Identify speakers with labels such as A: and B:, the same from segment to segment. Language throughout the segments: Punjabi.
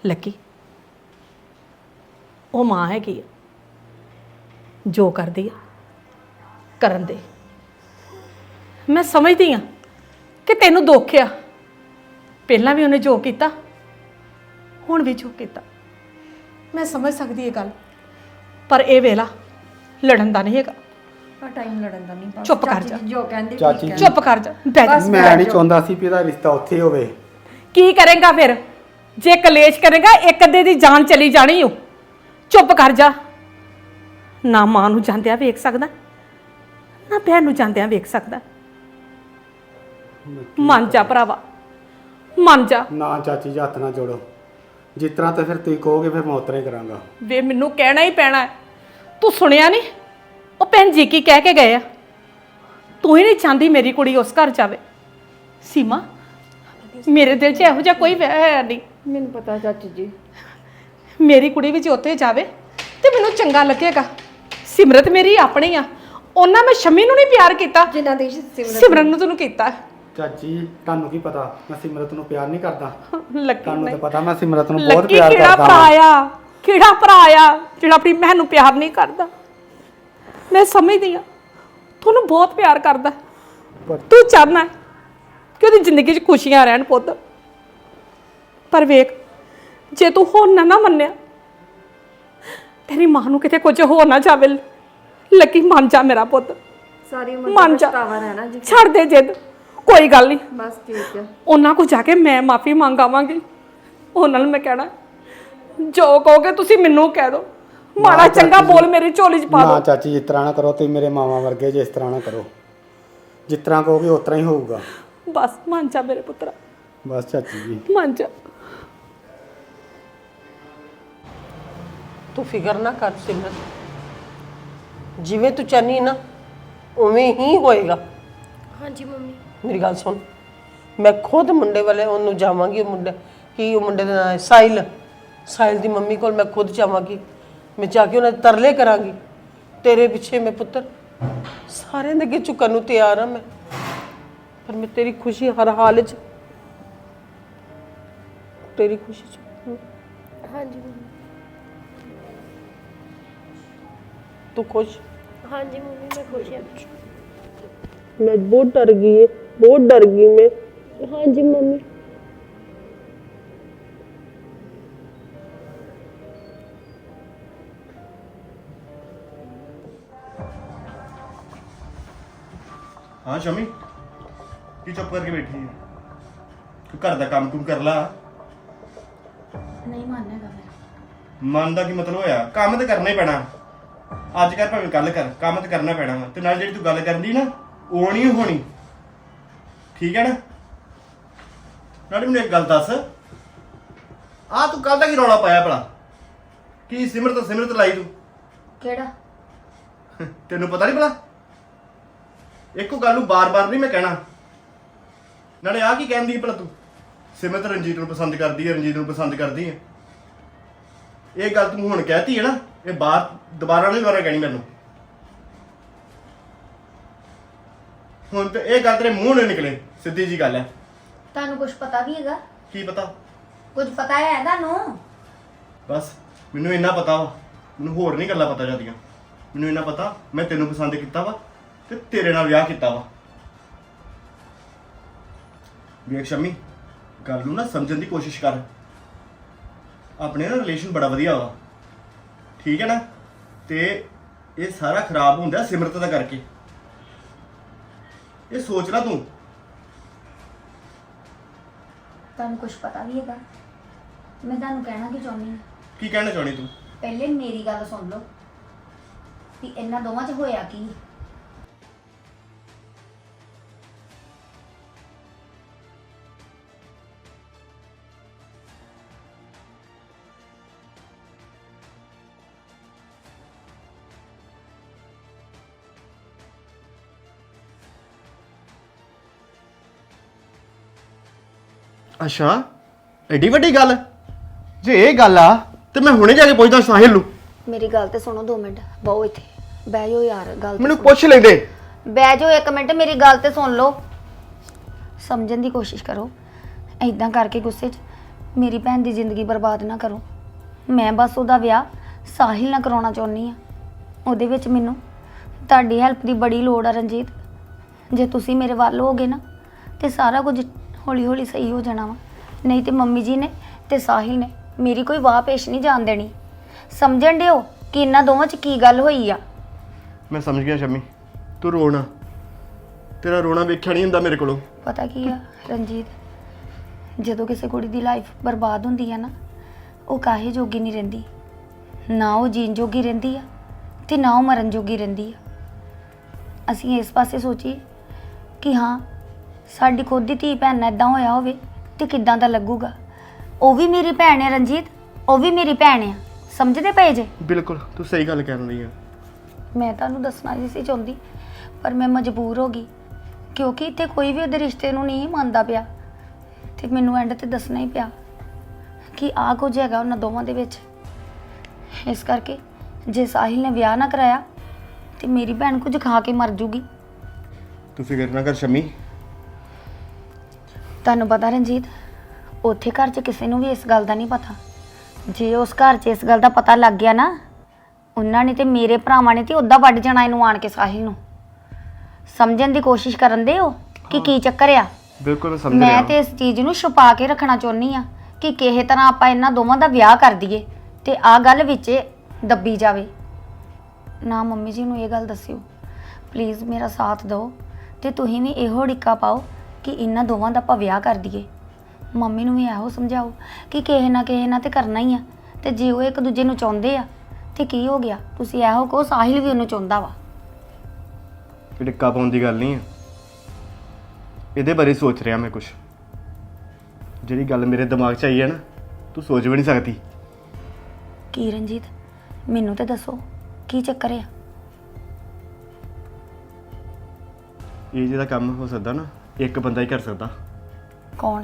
A: ਲੱਕੀ ਉਹ ਮਾਂ ਹੈਗੀ ਆ, ਜੋ ਕਰਦੀ ਆ ਕਰਨ ਦੇ। ਮੈਂ ਸਮਝਦੀ ਆ ਕਿ ਤੈਨੂੰ ਦੁੱਖ ਆ, ਪਹਿਲਾਂ ਵੀ ਉਹਨੇ ਜੋ ਕੀਤਾ ਹੁਣ ਵੀ ਜੋ ਕੀਤਾ, ਮੈਂ ਸਮਝ ਸਕਦੀ ਇਹ ਗੱਲ, ਪਰ ਇਹ ਵੇਲਾ ਲੜਨ ਦਾ ਨਹੀਂ ਹੈਗਾ।
B: ਟਾਈਮ ਲੜਨ ਦਾ ਨਹੀਂ, ਬਸ
A: ਚੁੱਪ ਕਰ ਜਾ।
B: ਜੋ ਕਹਿੰਦੇ
C: ਚਾਚੀ
B: ਠੀਕ
A: ਚੁੱਪ ਕਰ ਜਾ, ਬਹਿ ਜਾ।
C: ਮੈਂ ਨਹੀਂ ਚਾਹੁੰਦਾ ਸੀ ਵੀ ਇਹਦਾ ਰਿਸ਼ਤਾ ਉੱਥੇ ਹੋਵੇ।
A: ਕੀ ਕਰੇਗਾ ਫਿਰ? ਜੇ ਕਲੇਸ਼ ਕਰੇਗਾ ਇੱਕ ਅੱਧੇ ਦੀ ਜਾਨ ਚਲੀ ਜਾਣੀ ਓ। ਚੁੱਪ ਕਰ ਜਾ। ਨਾ ਮਾਂ ਨੂੰ ਜਾਂਦਿਆਂ ਵੇਖ ਸਕਦਾ, ਨਾ ਭੈਣ ਨੂੰ ਜਾਂਦਿਆਂ ਵੇਖ ਸਕਦਾ। ਮੰਨ ਜਾ ਭਰਾਵਾ, ਮੰਨ ਜਾ।
C: ਨਾ ਚਾਚੀ ਜੀ ਹੱਥ ਨਾ ਜੋੜੋ, ਜਿਸ ਤਰ੍ਹਾਂ ਤਾਂ ਫਿਰ ਤੁਸੀਂ ਕਹੋਗੇ ਫਿਰ ਮੈਂ ਉਤਰਾ ਹੀ ਕਰਾਂਗਾ।
A: ਵੇ ਮੈਨੂੰ ਕਹਿਣਾ ਹੀ ਪੈਣਾ ਹੈ। ਤੂੰ ਸੁਣਿਆ ਨਹੀਂ ਉਹ ਭੈਣ ਜੀ ਕੀ ਕਹਿ ਕੇ ਗਏ ਆ? ਤੂੰ ਹੀ ਨਹੀਂ ਚਾਹੁੰਦੀ ਮੇਰੀ ਕੁੜੀ ਉਸ ਘਰ ਜਾਵੇ। ਸੀਮਾ, ਮੇਰੇ ਦਿਲ 'ਚ ਇਹੋ ਜਿਹਾ ਕੋਈ ਵਹਿ ਹੈ ਨਹੀਂ।
B: ਮੈਨੂੰ ਪਤਾ ਚਾਚੀ ਜੀ,
A: ਮੇਰੀ ਕੁੜੀ ਵੀ ਜੇ ਉੱਥੇ ਜਾਵੇ ਤੇ ਮੈਨੂੰ ਚੰਗਾ ਲੱਗੇਗਾ। ਸਿਮਰਤ ਮੇਰੀ ਆਪਣੀ ਆ, ਉਹਨਾਂ ਮੈਂ ਸ਼ਮੀ ਨੂੰ ਨਹੀਂ ਪਿਆਰ ਕੀਤਾ
B: ਜਿਨ੍ਹਾਂ ਦੀ
A: ਸਿਮਰਨ ਨੂੰ ਤੈਨੂੰ ਕੀਤਾ।
C: ਚਾਚੀ ਤੁਹਾਨੂੰ ਕੀ ਪਤਾ ਮੈਂ ਸਿਮਰਤ ਨੂੰ ਪਿਆਰ ਨਹੀਂ ਕਰਦਾ?
A: ਲੱਕੀ
C: ਤੁਹਾਨੂੰ ਤਾਂ
A: ਨਹੀਂ।
C: ਪਤਾ ਮੈਂ ਸਿਮਰਤ ਨੂੰ ਬਹੁਤ
A: ਲੱਕੀ
C: ਪਿਆਰ
A: ਕਿਹੜਾ
C: ਕਰਦਾ
A: ਭਰਾ
C: ਹਾਂ।
A: ਆ, ਕਿਹੜਾ ਭਰਾ ਆ ਜਿਹੜਾ ਆਪਣੀ ਭੈਣ ਨੂੰ ਪਿਆਰ ਨਹੀਂ ਕਰਦਾ? ਮੈਂ ਸਮਝਦੀ ਆ ਤੁਹਾਨੂੰ ਬਹੁਤ ਪਿਆਰ ਕਰਦਾ।
C: ਪਰ
A: ਤੂੰ ਚਾਹਨਾ ਕਿ ਉਹਦੀ ਜ਼ਿੰਦਗੀ 'ਚ ਖੁਸ਼ੀਆਂ ਰਹਿਣ ਪੁੱਤ, ਪਰ ਵੇਖ ਜੇ ਤੂੰ ਹੋਰ ਨਾ ਮੰਨਿਆ, ਤੇਰੀ ਮਾਂ ਨੂੰ ਕਿਤੇ ਕੁਝ ਹੋ ਨਾ ਜਾਵੇ। ਲੱਕੀ ਮੰਨ ਜਾ ਮੇਰਾ ਪੁੱਤ,
B: ਸਾਰੀ ਉਮਰ
A: ਮੰਨ ਜਾ।
B: ਪਛਤਾਵਾ ਰਹਿਣਾ ਜੀ।
A: ਛੱਡ ਦੇ ਜਿੱਦ, ਕੋਈ ਗੱਲ ਨਹੀਂ।
B: ਬਸ ਠੀਕ ਹੈ।
A: ਉਹਨਾਂ ਕੋਲ ਜਾ ਕੇ ਮੈਂ ਮਾਫੀ ਮੰਗ ਆਵਾਂਗੀ। ਉਹਨਾਂ ਨੂੰ ਮੈਂ ਕਹਿਣਾ ਜੋ ਕਹੋਗੇ ਤੁਸੀਂ ਮੈਨੂੰ ਕਹਿ ਦਿਓ, ਮਾੜਾ ਚੰਗਾ ਬੋਲ ਮੇਰੀ ਝੋਲੀ 'ਚ ਪਾ
C: ਨਾ
A: ਦਿਓ।
C: ਚਾਚੀ ਜਿਸ ਤਰ੍ਹਾਂ ਨਾ ਕਰੋ, ਤੁਸੀਂ ਮੇਰੇ ਮਾਵਾ ਵਰਗੇ ਜੇ, ਇਸ ਤਰ੍ਹਾਂ ਨਾ ਕਰੋ। ਜਿਸ ਤਰ੍ਹਾਂ ਕਹੋਗੇ ਉਸ ਤਰ੍ਹਾਂ ਹੀ ਹੋਊਗਾ।
A: ਬਸ ਮੰਨ ਜਾ ਮੇਰੇ ਪੁੱਤਰਾ,
C: ਬਸ ਚਾਚੀ ਜੀ।
A: ਮੰਨ ਜਾ।
D: ਤੂੰ ਫਿਕਰ ਨਾ ਕਰ ਸਿਮਰਤ, ਜਿਵੇਂ ਤੂੰ ਚਾਹਨੀ ਨਾ ਉਵੇਂ ਹੀ ਹੋਏਗਾ।
E: ਹਾਂਜੀ ਮੰਮੀ।
D: ਮੇਰੀ ਗੱਲ ਸੁਣ, ਮੈਂ ਖੁਦ ਮੁੰਡੇ ਵਾਲੇ ਉਹਨੂੰ ਜਾਵਾਂਗੀ। ਉਹ ਮੁੰਡੇ ਦਾ ਨਾਂ ਹੈ ਸਾਹਿਲ। ਸਾਹਿਲ ਦੀ ਮੰਮੀ ਕੋਲ ਮੈਂ ਖੁਦ ਜਾਵਾਂਗੀ। ਮੈਂ ਜਾ ਕੇ ਉਹਨਾਂ ਦੇ ਤਰਲੇ ਕਰਾਂਗੀ। ਤੇਰੇ ਪਿੱਛੇ ਮੈਂ ਪੁੱਤਰ ਸਾਰਿਆਂ ਦੇ ਅੱਗੇ ਝੁਕਣ ਨੂੰ ਤਿਆਰ ਹਾਂ ਮੈਂ, ਪਰ ਮੈਂ ਤੇਰੀ ਖੁਸ਼ੀ ਹਰ ਹਾਲ 'ਚ, ਤੇਰੀ ਖੁਸ਼ੀ 'ਚ।
E: ਹਾਂਜੀ ਮੰਮੀ।
D: ਤੂੰ ਖੁਸ਼?
E: ਹਾਂਜੀ ਮੰਮੀ मैं खुश हूँ।
D: मैं बहुत डर गई है, बहुत डर गई मैं।
E: हाँ जी मम्मी।
F: हाँ शमी की चुप करके बैठी है? तू घर का काम कुम कर ला।
E: नहीं मानना है मेरा।
F: मन का की मतलब होया? काम तो करना ही पैना। ਅੱਜ ਕਰ ਭਾਵੇਂ ਕੱਲ ਕਰ, ਕੰਮ ਤੇ ਕਰਨਾ ਪੈਣਾ ਵਾ। ਤੇ ਨਾਲ ਜਿਹੜੀ ਤੂੰ ਗੱਲ ਕਰਦੀ ਨਾ ਉਹ ਨਹੀਂ ਹੋਣੀ, ਠੀਕ ਹੈ ਨਾ? ਨਾਲੇ ਮੈਨੂੰ ਇੱਕ ਗੱਲ ਦੱਸ, ਆ ਤੂੰ ਕੱਲ ਦਾ ਕੀ ਰੌਲਾ ਪਾਇਆ ਭਲਾ? ਕੀ ਸਿਮਰਤ ਲਾਈ ਤੂੰ?
E: केड़ा?
F: ਤੈਨੂੰ ਪਤਾ ਨਹੀਂ ਭਲਾ? ਇੱਕੋ ਗੱਲ ਨੂੰ ਬਾਰ-ਬਾਰ ਨਹੀਂ ਮੈਂ ਕਹਿਣਾ। ਨਾਲੇ ਆ ਕੀ ਕਹਿੰਦੀ ਭਲਾ ਤੂੰ? ਸਿਮਰਤ ਰਣਜੀਤ ਨੂੰ ਪਸੰਦ ਕਰਦੀ ਹੈ, ਰਣਜੀਤ ਨੂੰ ਪਸੰਦ ਕਰਦੀ ਹੈ। ਇਹ ਗੱਲ ਤੂੰ ਹੁਣ ਕਹਿਤੀ ਹੈ ਨਾ, ਇਹ ਬਾਤ ਦੁਬਾਰਾ ਨਹੀਂ ਕਹਿਣੀ ਮੈਨੂੰ। ਹੁਣ ਤੇ ਇਹ ਗੱਲ ਤੇਰੇ ਮੂੰਹ ਨਹੀਂ ਨਿਕਲੇ, ਸਿੱਧੀ ਜੀ ਗੱਲ ਹੈ।
E: ਤੁਹਾਨੂੰ ਕੁਝ ਪਤਾ ਵੀ ਹੈਗਾ?
F: ਕੀ ਪਤਾ?
E: ਕੁਝ ਪਤਾ ਹੈ ਤੁਹਾਨੂੰ?
F: ਬਸ ਮੈਨੂੰ ਇੰਨਾ ਪਤਾ ਵਾ, ਮੈਨੂੰ ਹੋਰ ਨਹੀਂ ਗੱਲਾਂ ਪਤਾ ਜਾਂਦੀਆਂ। ਮੈਨੂੰ ਇੰਨਾ ਪਤਾ ਮੈਂ ਤੈਨੂੰ ਪਸੰਦ ਕੀਤਾ ਵਾ ਤੇ ਤੇਰੇ ਨਾਲ ਵਿਆਹ ਕੀਤਾ ਵਾ। ਵੇਖ ਸ਼ਮੀ, ਗੱਲ ਨੂੰ ਨਾ ਸਮਝਣ ਦੀ ਕੋਸ਼ਿਸ਼ ਕਰ। ਆਪਣੇ ਨਾ ਰਿਲੇਸ਼ਨ ਬੜਾ ਵਧੀਆ ਵਾ, ਠੀਕ ਹੈ ਨਾ? ਤੇ ਇਹ ਸਾਰਾ ਖਰਾਬ ਹੁੰਦਾ ਸਿਮਰਤ ਦਾ ਕਰਕੇ। ਇਹ ਸੋਚ ਲੈ ਤੂੰ।
E: ਤੁਹਾਨੂੰ ਕੁਝ ਪਤਾ ਵੀ ਹੈਗਾ? ਮੈਂ ਤੁਹਾਨੂੰ ਕਹਿਣਾ ਕੀ ਚਾਹੁੰਦੀ ਹਾਂ।
F: ਕੀ ਕਹਿਣਾ ਚਾਹਣੀ ਤੂੰ?
E: ਪਹਿਲੇ ਮੇਰੀ ਗੱਲ ਸੁਣ ਲਓ ਕਿ ਇਹਨਾਂ ਦੋਵਾਂ 'ਚ ਹੋਇਆ ਕੀ।
F: ਅੱਛਾ, ਐਡੀ ਵੱਡੀ ਗੱਲ? ਜੇ ਇਹ ਗੱਲ ਆ ਤੇ ਮੈਂ ਹੁਣੇ ਜਾ ਕੇ ਪੁੱਛਦਾ ਸਾਹਿਲ ਨੂੰ।
E: ਮੇਰੀ ਗੱਲ ਤੇ ਸੁਣੋ 2 ਮਿੰਟ, ਬਹੁ ਇੱਥੇ ਬਹਿ ਜਾਓ ਯਾਰ। ਗੱਲ
F: ਮੈਨੂੰ ਪੁੱਛ ਲੈਂਦੇ।
E: ਬਹਿ ਜਾਓ 1 ਮਿੰਟ, ਮੇਰੀ ਗੱਲ ਤੇ ਸੁਣ ਲਓ। ਸਮਝਣ ਦੀ ਕੋਸ਼ਿਸ਼ ਕਰੋ। ਐਦਾਂ ਕਰਕੇ ਗੁੱਸੇ 'ਚ ਮੇਰੀ ਭੈਣ ਦੀ ਜ਼ਿੰਦਗੀ ਬਰਬਾਦ ਨਾ ਕਰੋ। ਮੈਂ ਬਸ ਉਹਦਾ ਵਿਆਹ ਸਾਹਿਲ ਨਾਲ ਕਰਾਉਣਾ ਚਾਹੁੰਦੀ ਆ। ਉਹਦੇ ਵਿੱਚ ਮੈਨੂੰ ਤੁਹਾਡੀ ਹੈਲਪ ਦੀ ਬੜੀ ਲੋੜ ਆ ਰਣਜੀਤ। ਜੇ ਤੁਸੀਂ ਮੇਰੇ ਵੱਲ ਹੋਗੇ ਨਾ ਤੇ ਸਾਰਾ ਕੁਝ ਹੌਲੀ ਹੌਲੀ ਸਹੀ ਹੋ ਜਾਣਾ ਵਾ। ਨਹੀਂ ਤੇ ਮੰਮੀ ਜੀ ਨੇ ਤੇ ਸਾਹਿਲ ਨੇ ਮੇਰੀ ਕੋਈ ਵਾਹ ਪੇਸ਼ ਨਹੀਂ ਜਾਣ ਦੇਣੀ। ਸਮਝਣ ਦਿਓ ਕਿ ਇਹਨਾਂ ਦੋਵਾਂ 'ਚ ਕੀ ਗੱਲ ਹੋਈ ਆ।
F: ਮੈਂ ਸਮਝ ਗਿਆ ਸ਼ਮੀ, ਤੂੰ ਰੋਣਾ, ਤੇਰਾ ਰੋਣਾ ਵੇਖਿਆ ਨਹੀਂ ਹੁੰਦਾ ਮੇਰੇ ਕੋਲੋਂ।
E: ਪਤਾ ਕੀ ਆ ਰਣਜੀਤ, ਜਦੋਂ ਕਿਸੇ ਕੁੜੀ ਦੀ ਲਾਈਫ ਬਰਬਾਦ ਹੁੰਦੀ ਆ ਨਾ, ਉਹ ਕਾਹੇ ਜੋਗੀ ਨਹੀਂ ਰਹਿੰਦੀ। ਨਾ ਉਹ ਜੀਣ ਜੋਗੀ ਰਹਿੰਦੀ ਆ ਤੇ ਨਾ ਉਹ ਮਰਨ ਜੋਗੀ ਰਹਿੰਦੀ ਆ। ਅਸੀਂ ਇਸ ਪਾਸੇ ਸੋਚੀਏ ਕਿ ਹਾਂ ਸਾਡੀ ਖੁਦ ਦੀ ਧੀ ਭੈਣ ਨਾਲ ਇਦਾਂ ਹੋਇਆ ਹੋਵੇ ਤੇ ਕਿੱਦਾਂ ਦਾ ਲੱਗੂਗਾ। ਉਹ ਵੀ ਮੇਰੀ ਭੈਣ ਹੈ ਰਣਜੀਤ, ਉਹ ਵੀ ਮੇਰੀ ਭੈਣ ਆ। ਸਮਝਦੇ ਪਏ ਜੇ?
F: ਬਿਲਕੁਲ ਤੂੰ ਸਹੀ ਗੱਲ ਕਹਿ ਰਹੀ ਆ।
E: ਮੈਂ ਤੁਹਾਨੂੰ ਦੱਸਣਾ ਨਹੀਂ ਸੀ ਚਾਹੁੰਦੀ, ਪਰ ਮੈਂ ਮਜਬੂਰ ਹੋ ਗਈ ਕਿਉਂਕਿ ਇੱਥੇ ਕੋਈ ਵੀ ਉਹਦੇ ਰਿਸ਼ਤੇ ਨੂੰ ਨਹੀਂ ਮੰਨਦਾ ਪਿਆ ਤੇ ਮੈਨੂੰ ਐਂਡ ਤੇ ਦੱਸਣਾ ਹੀ ਪਿਆ ਕਿ ਆਹ ਕੁਝ ਹੈਗਾ ਉਹਨਾਂ ਦੋਵਾਂ ਦੇ ਵਿੱਚ। ਇਸ ਕਰਕੇ ਜੇ ਸਾਹਿਲ ਨੇ ਵਿਆਹ ਨਾ ਕਰਾਇਆ ਤੇ ਮੇਰੀ ਭੈਣ ਕੁਝ ਖਾ ਕੇ ਮਰ ਜੂਗੀ।
F: ਤੂੰ ਫਿਕਰ ਨਾ ਕਰ ਸ਼ਮੀ।
E: ਤੁਹਾਨੂੰ ਪਤਾ ਰਣਜੀਤ, ਉੱਥੇ ਘਰ 'ਚ ਕਿਸੇ ਨੂੰ ਵੀ ਇਸ ਗੱਲ ਦਾ ਨਹੀਂ ਪਤਾ। ਜੇ ਉਸ ਘਰ 'ਚ ਇਸ ਗੱਲ ਦਾ ਪਤਾ ਲੱਗ ਗਿਆ ਨਾ, ਉਹਨਾਂ ਨੇ ਤੇ ਮੇਰੇ ਭਰਾਵਾਂ ਨੇ ਤੇ ਉੱਦਾਂ ਵੱਢ ਜਾਣਾ ਇਹਨੂੰ ਆਣ ਕੇ ਸਾਹਿਲ ਨੂੰ। ਸਮਝਣ ਦੀ ਕੋਸ਼ਿਸ਼ ਕਰਨ ਦੇ ਹੋ ਕਿ ਕੀ ਚੱਕਰ ਆ।
F: ਬਿਲਕੁਲ ਮੈਂ ਸਮਝ
E: ਮੈਂ
F: ਰਿਹਾ।
E: ਤੇ ਇਸ ਚੀਜ਼ ਨੂੰ ਛੁਪਾ ਕੇ ਰੱਖਣਾ ਚਾਹੁੰਦੀ ਆ ਕਿ ਕਿਸੇ ਤਰ੍ਹਾਂ ਆਪਾਂ ਇਹਨਾਂ ਦੋਵਾਂ ਦਾ ਵਿਆਹ ਕਰ ਦਈਏ ਤੇ ਆਹ ਗੱਲ ਵਿੱਚ ਦੱਬੀ ਜਾਵੇ ਨਾ। ਮੰਮੀ ਜੀ ਨੂੰ ਇਹ ਗੱਲ ਦੱਸਿਓ ਪਲੀਜ਼, ਮੇਰਾ ਸਾਥ ਦਿਓ ਤੇ ਤੁਸੀਂ ਵੀ ਇਹੋ ਢਿੱਕਾ ਪਾਓ ਕਿ ਇਹਨਾਂ ਦੋਵਾਂ ਦਾ ਆਪਾਂ ਵਿਆਹ ਕਰ ਦਈਏ। ਮੰਮੀ ਨੂੰ ਵੀ ਇਹੋ ਸਮਝਾਓ ਕਿ ਕਿਸੇ ਨਾ ਤੇ ਕਰਨਾ ਹੀ ਆ। ਤੇ ਜੇ ਉਹ ਇੱਕ ਦੂਜੇ ਨੂੰ ਚਾਹੁੰਦੇ ਆ ਤੇ ਕੀ ਹੋ ਗਿਆ, ਤੁਸੀਂ ਇਹੋ ਕਹੋ ਸਾਹਿਲ ਵੀ ਉਹਨੂੰ ਚਾਹੁੰਦਾ ਵਾ।
F: ਇਹ ਟਿੱਕਾ ਪਾਉਣ ਦੀ ਗੱਲ ਨਹੀਂ ਆ। ਇਹਦੇ ਬਾਰੇ ਸੋਚ ਰਿਹਾ ਮੈਂ ਕੁਝ। ਜਿਹੜੀ ਗੱਲ ਮੇਰੇ ਦਿਮਾਗ 'ਚ ਆਈ ਹੈ ਨਾ, ਤੂੰ ਸੋਚ ਵੀ ਨਹੀਂ ਸਕਦੀ।
E: ਕੀ ਰਣਜੀਤ, ਮੈਨੂੰ ਤੇ ਦੱਸੋ ਕੀ ਚੱਕਰ ਆ।
F: ਇਹ ਜਿਹੜਾ ਕੰਮ ਹੋ ਸਕਦਾ ਨਾ, ਇੱਕ ਬੰਦਾ ਹੀ ਕਰ ਸਕਦਾ।
E: ਕੌਣ?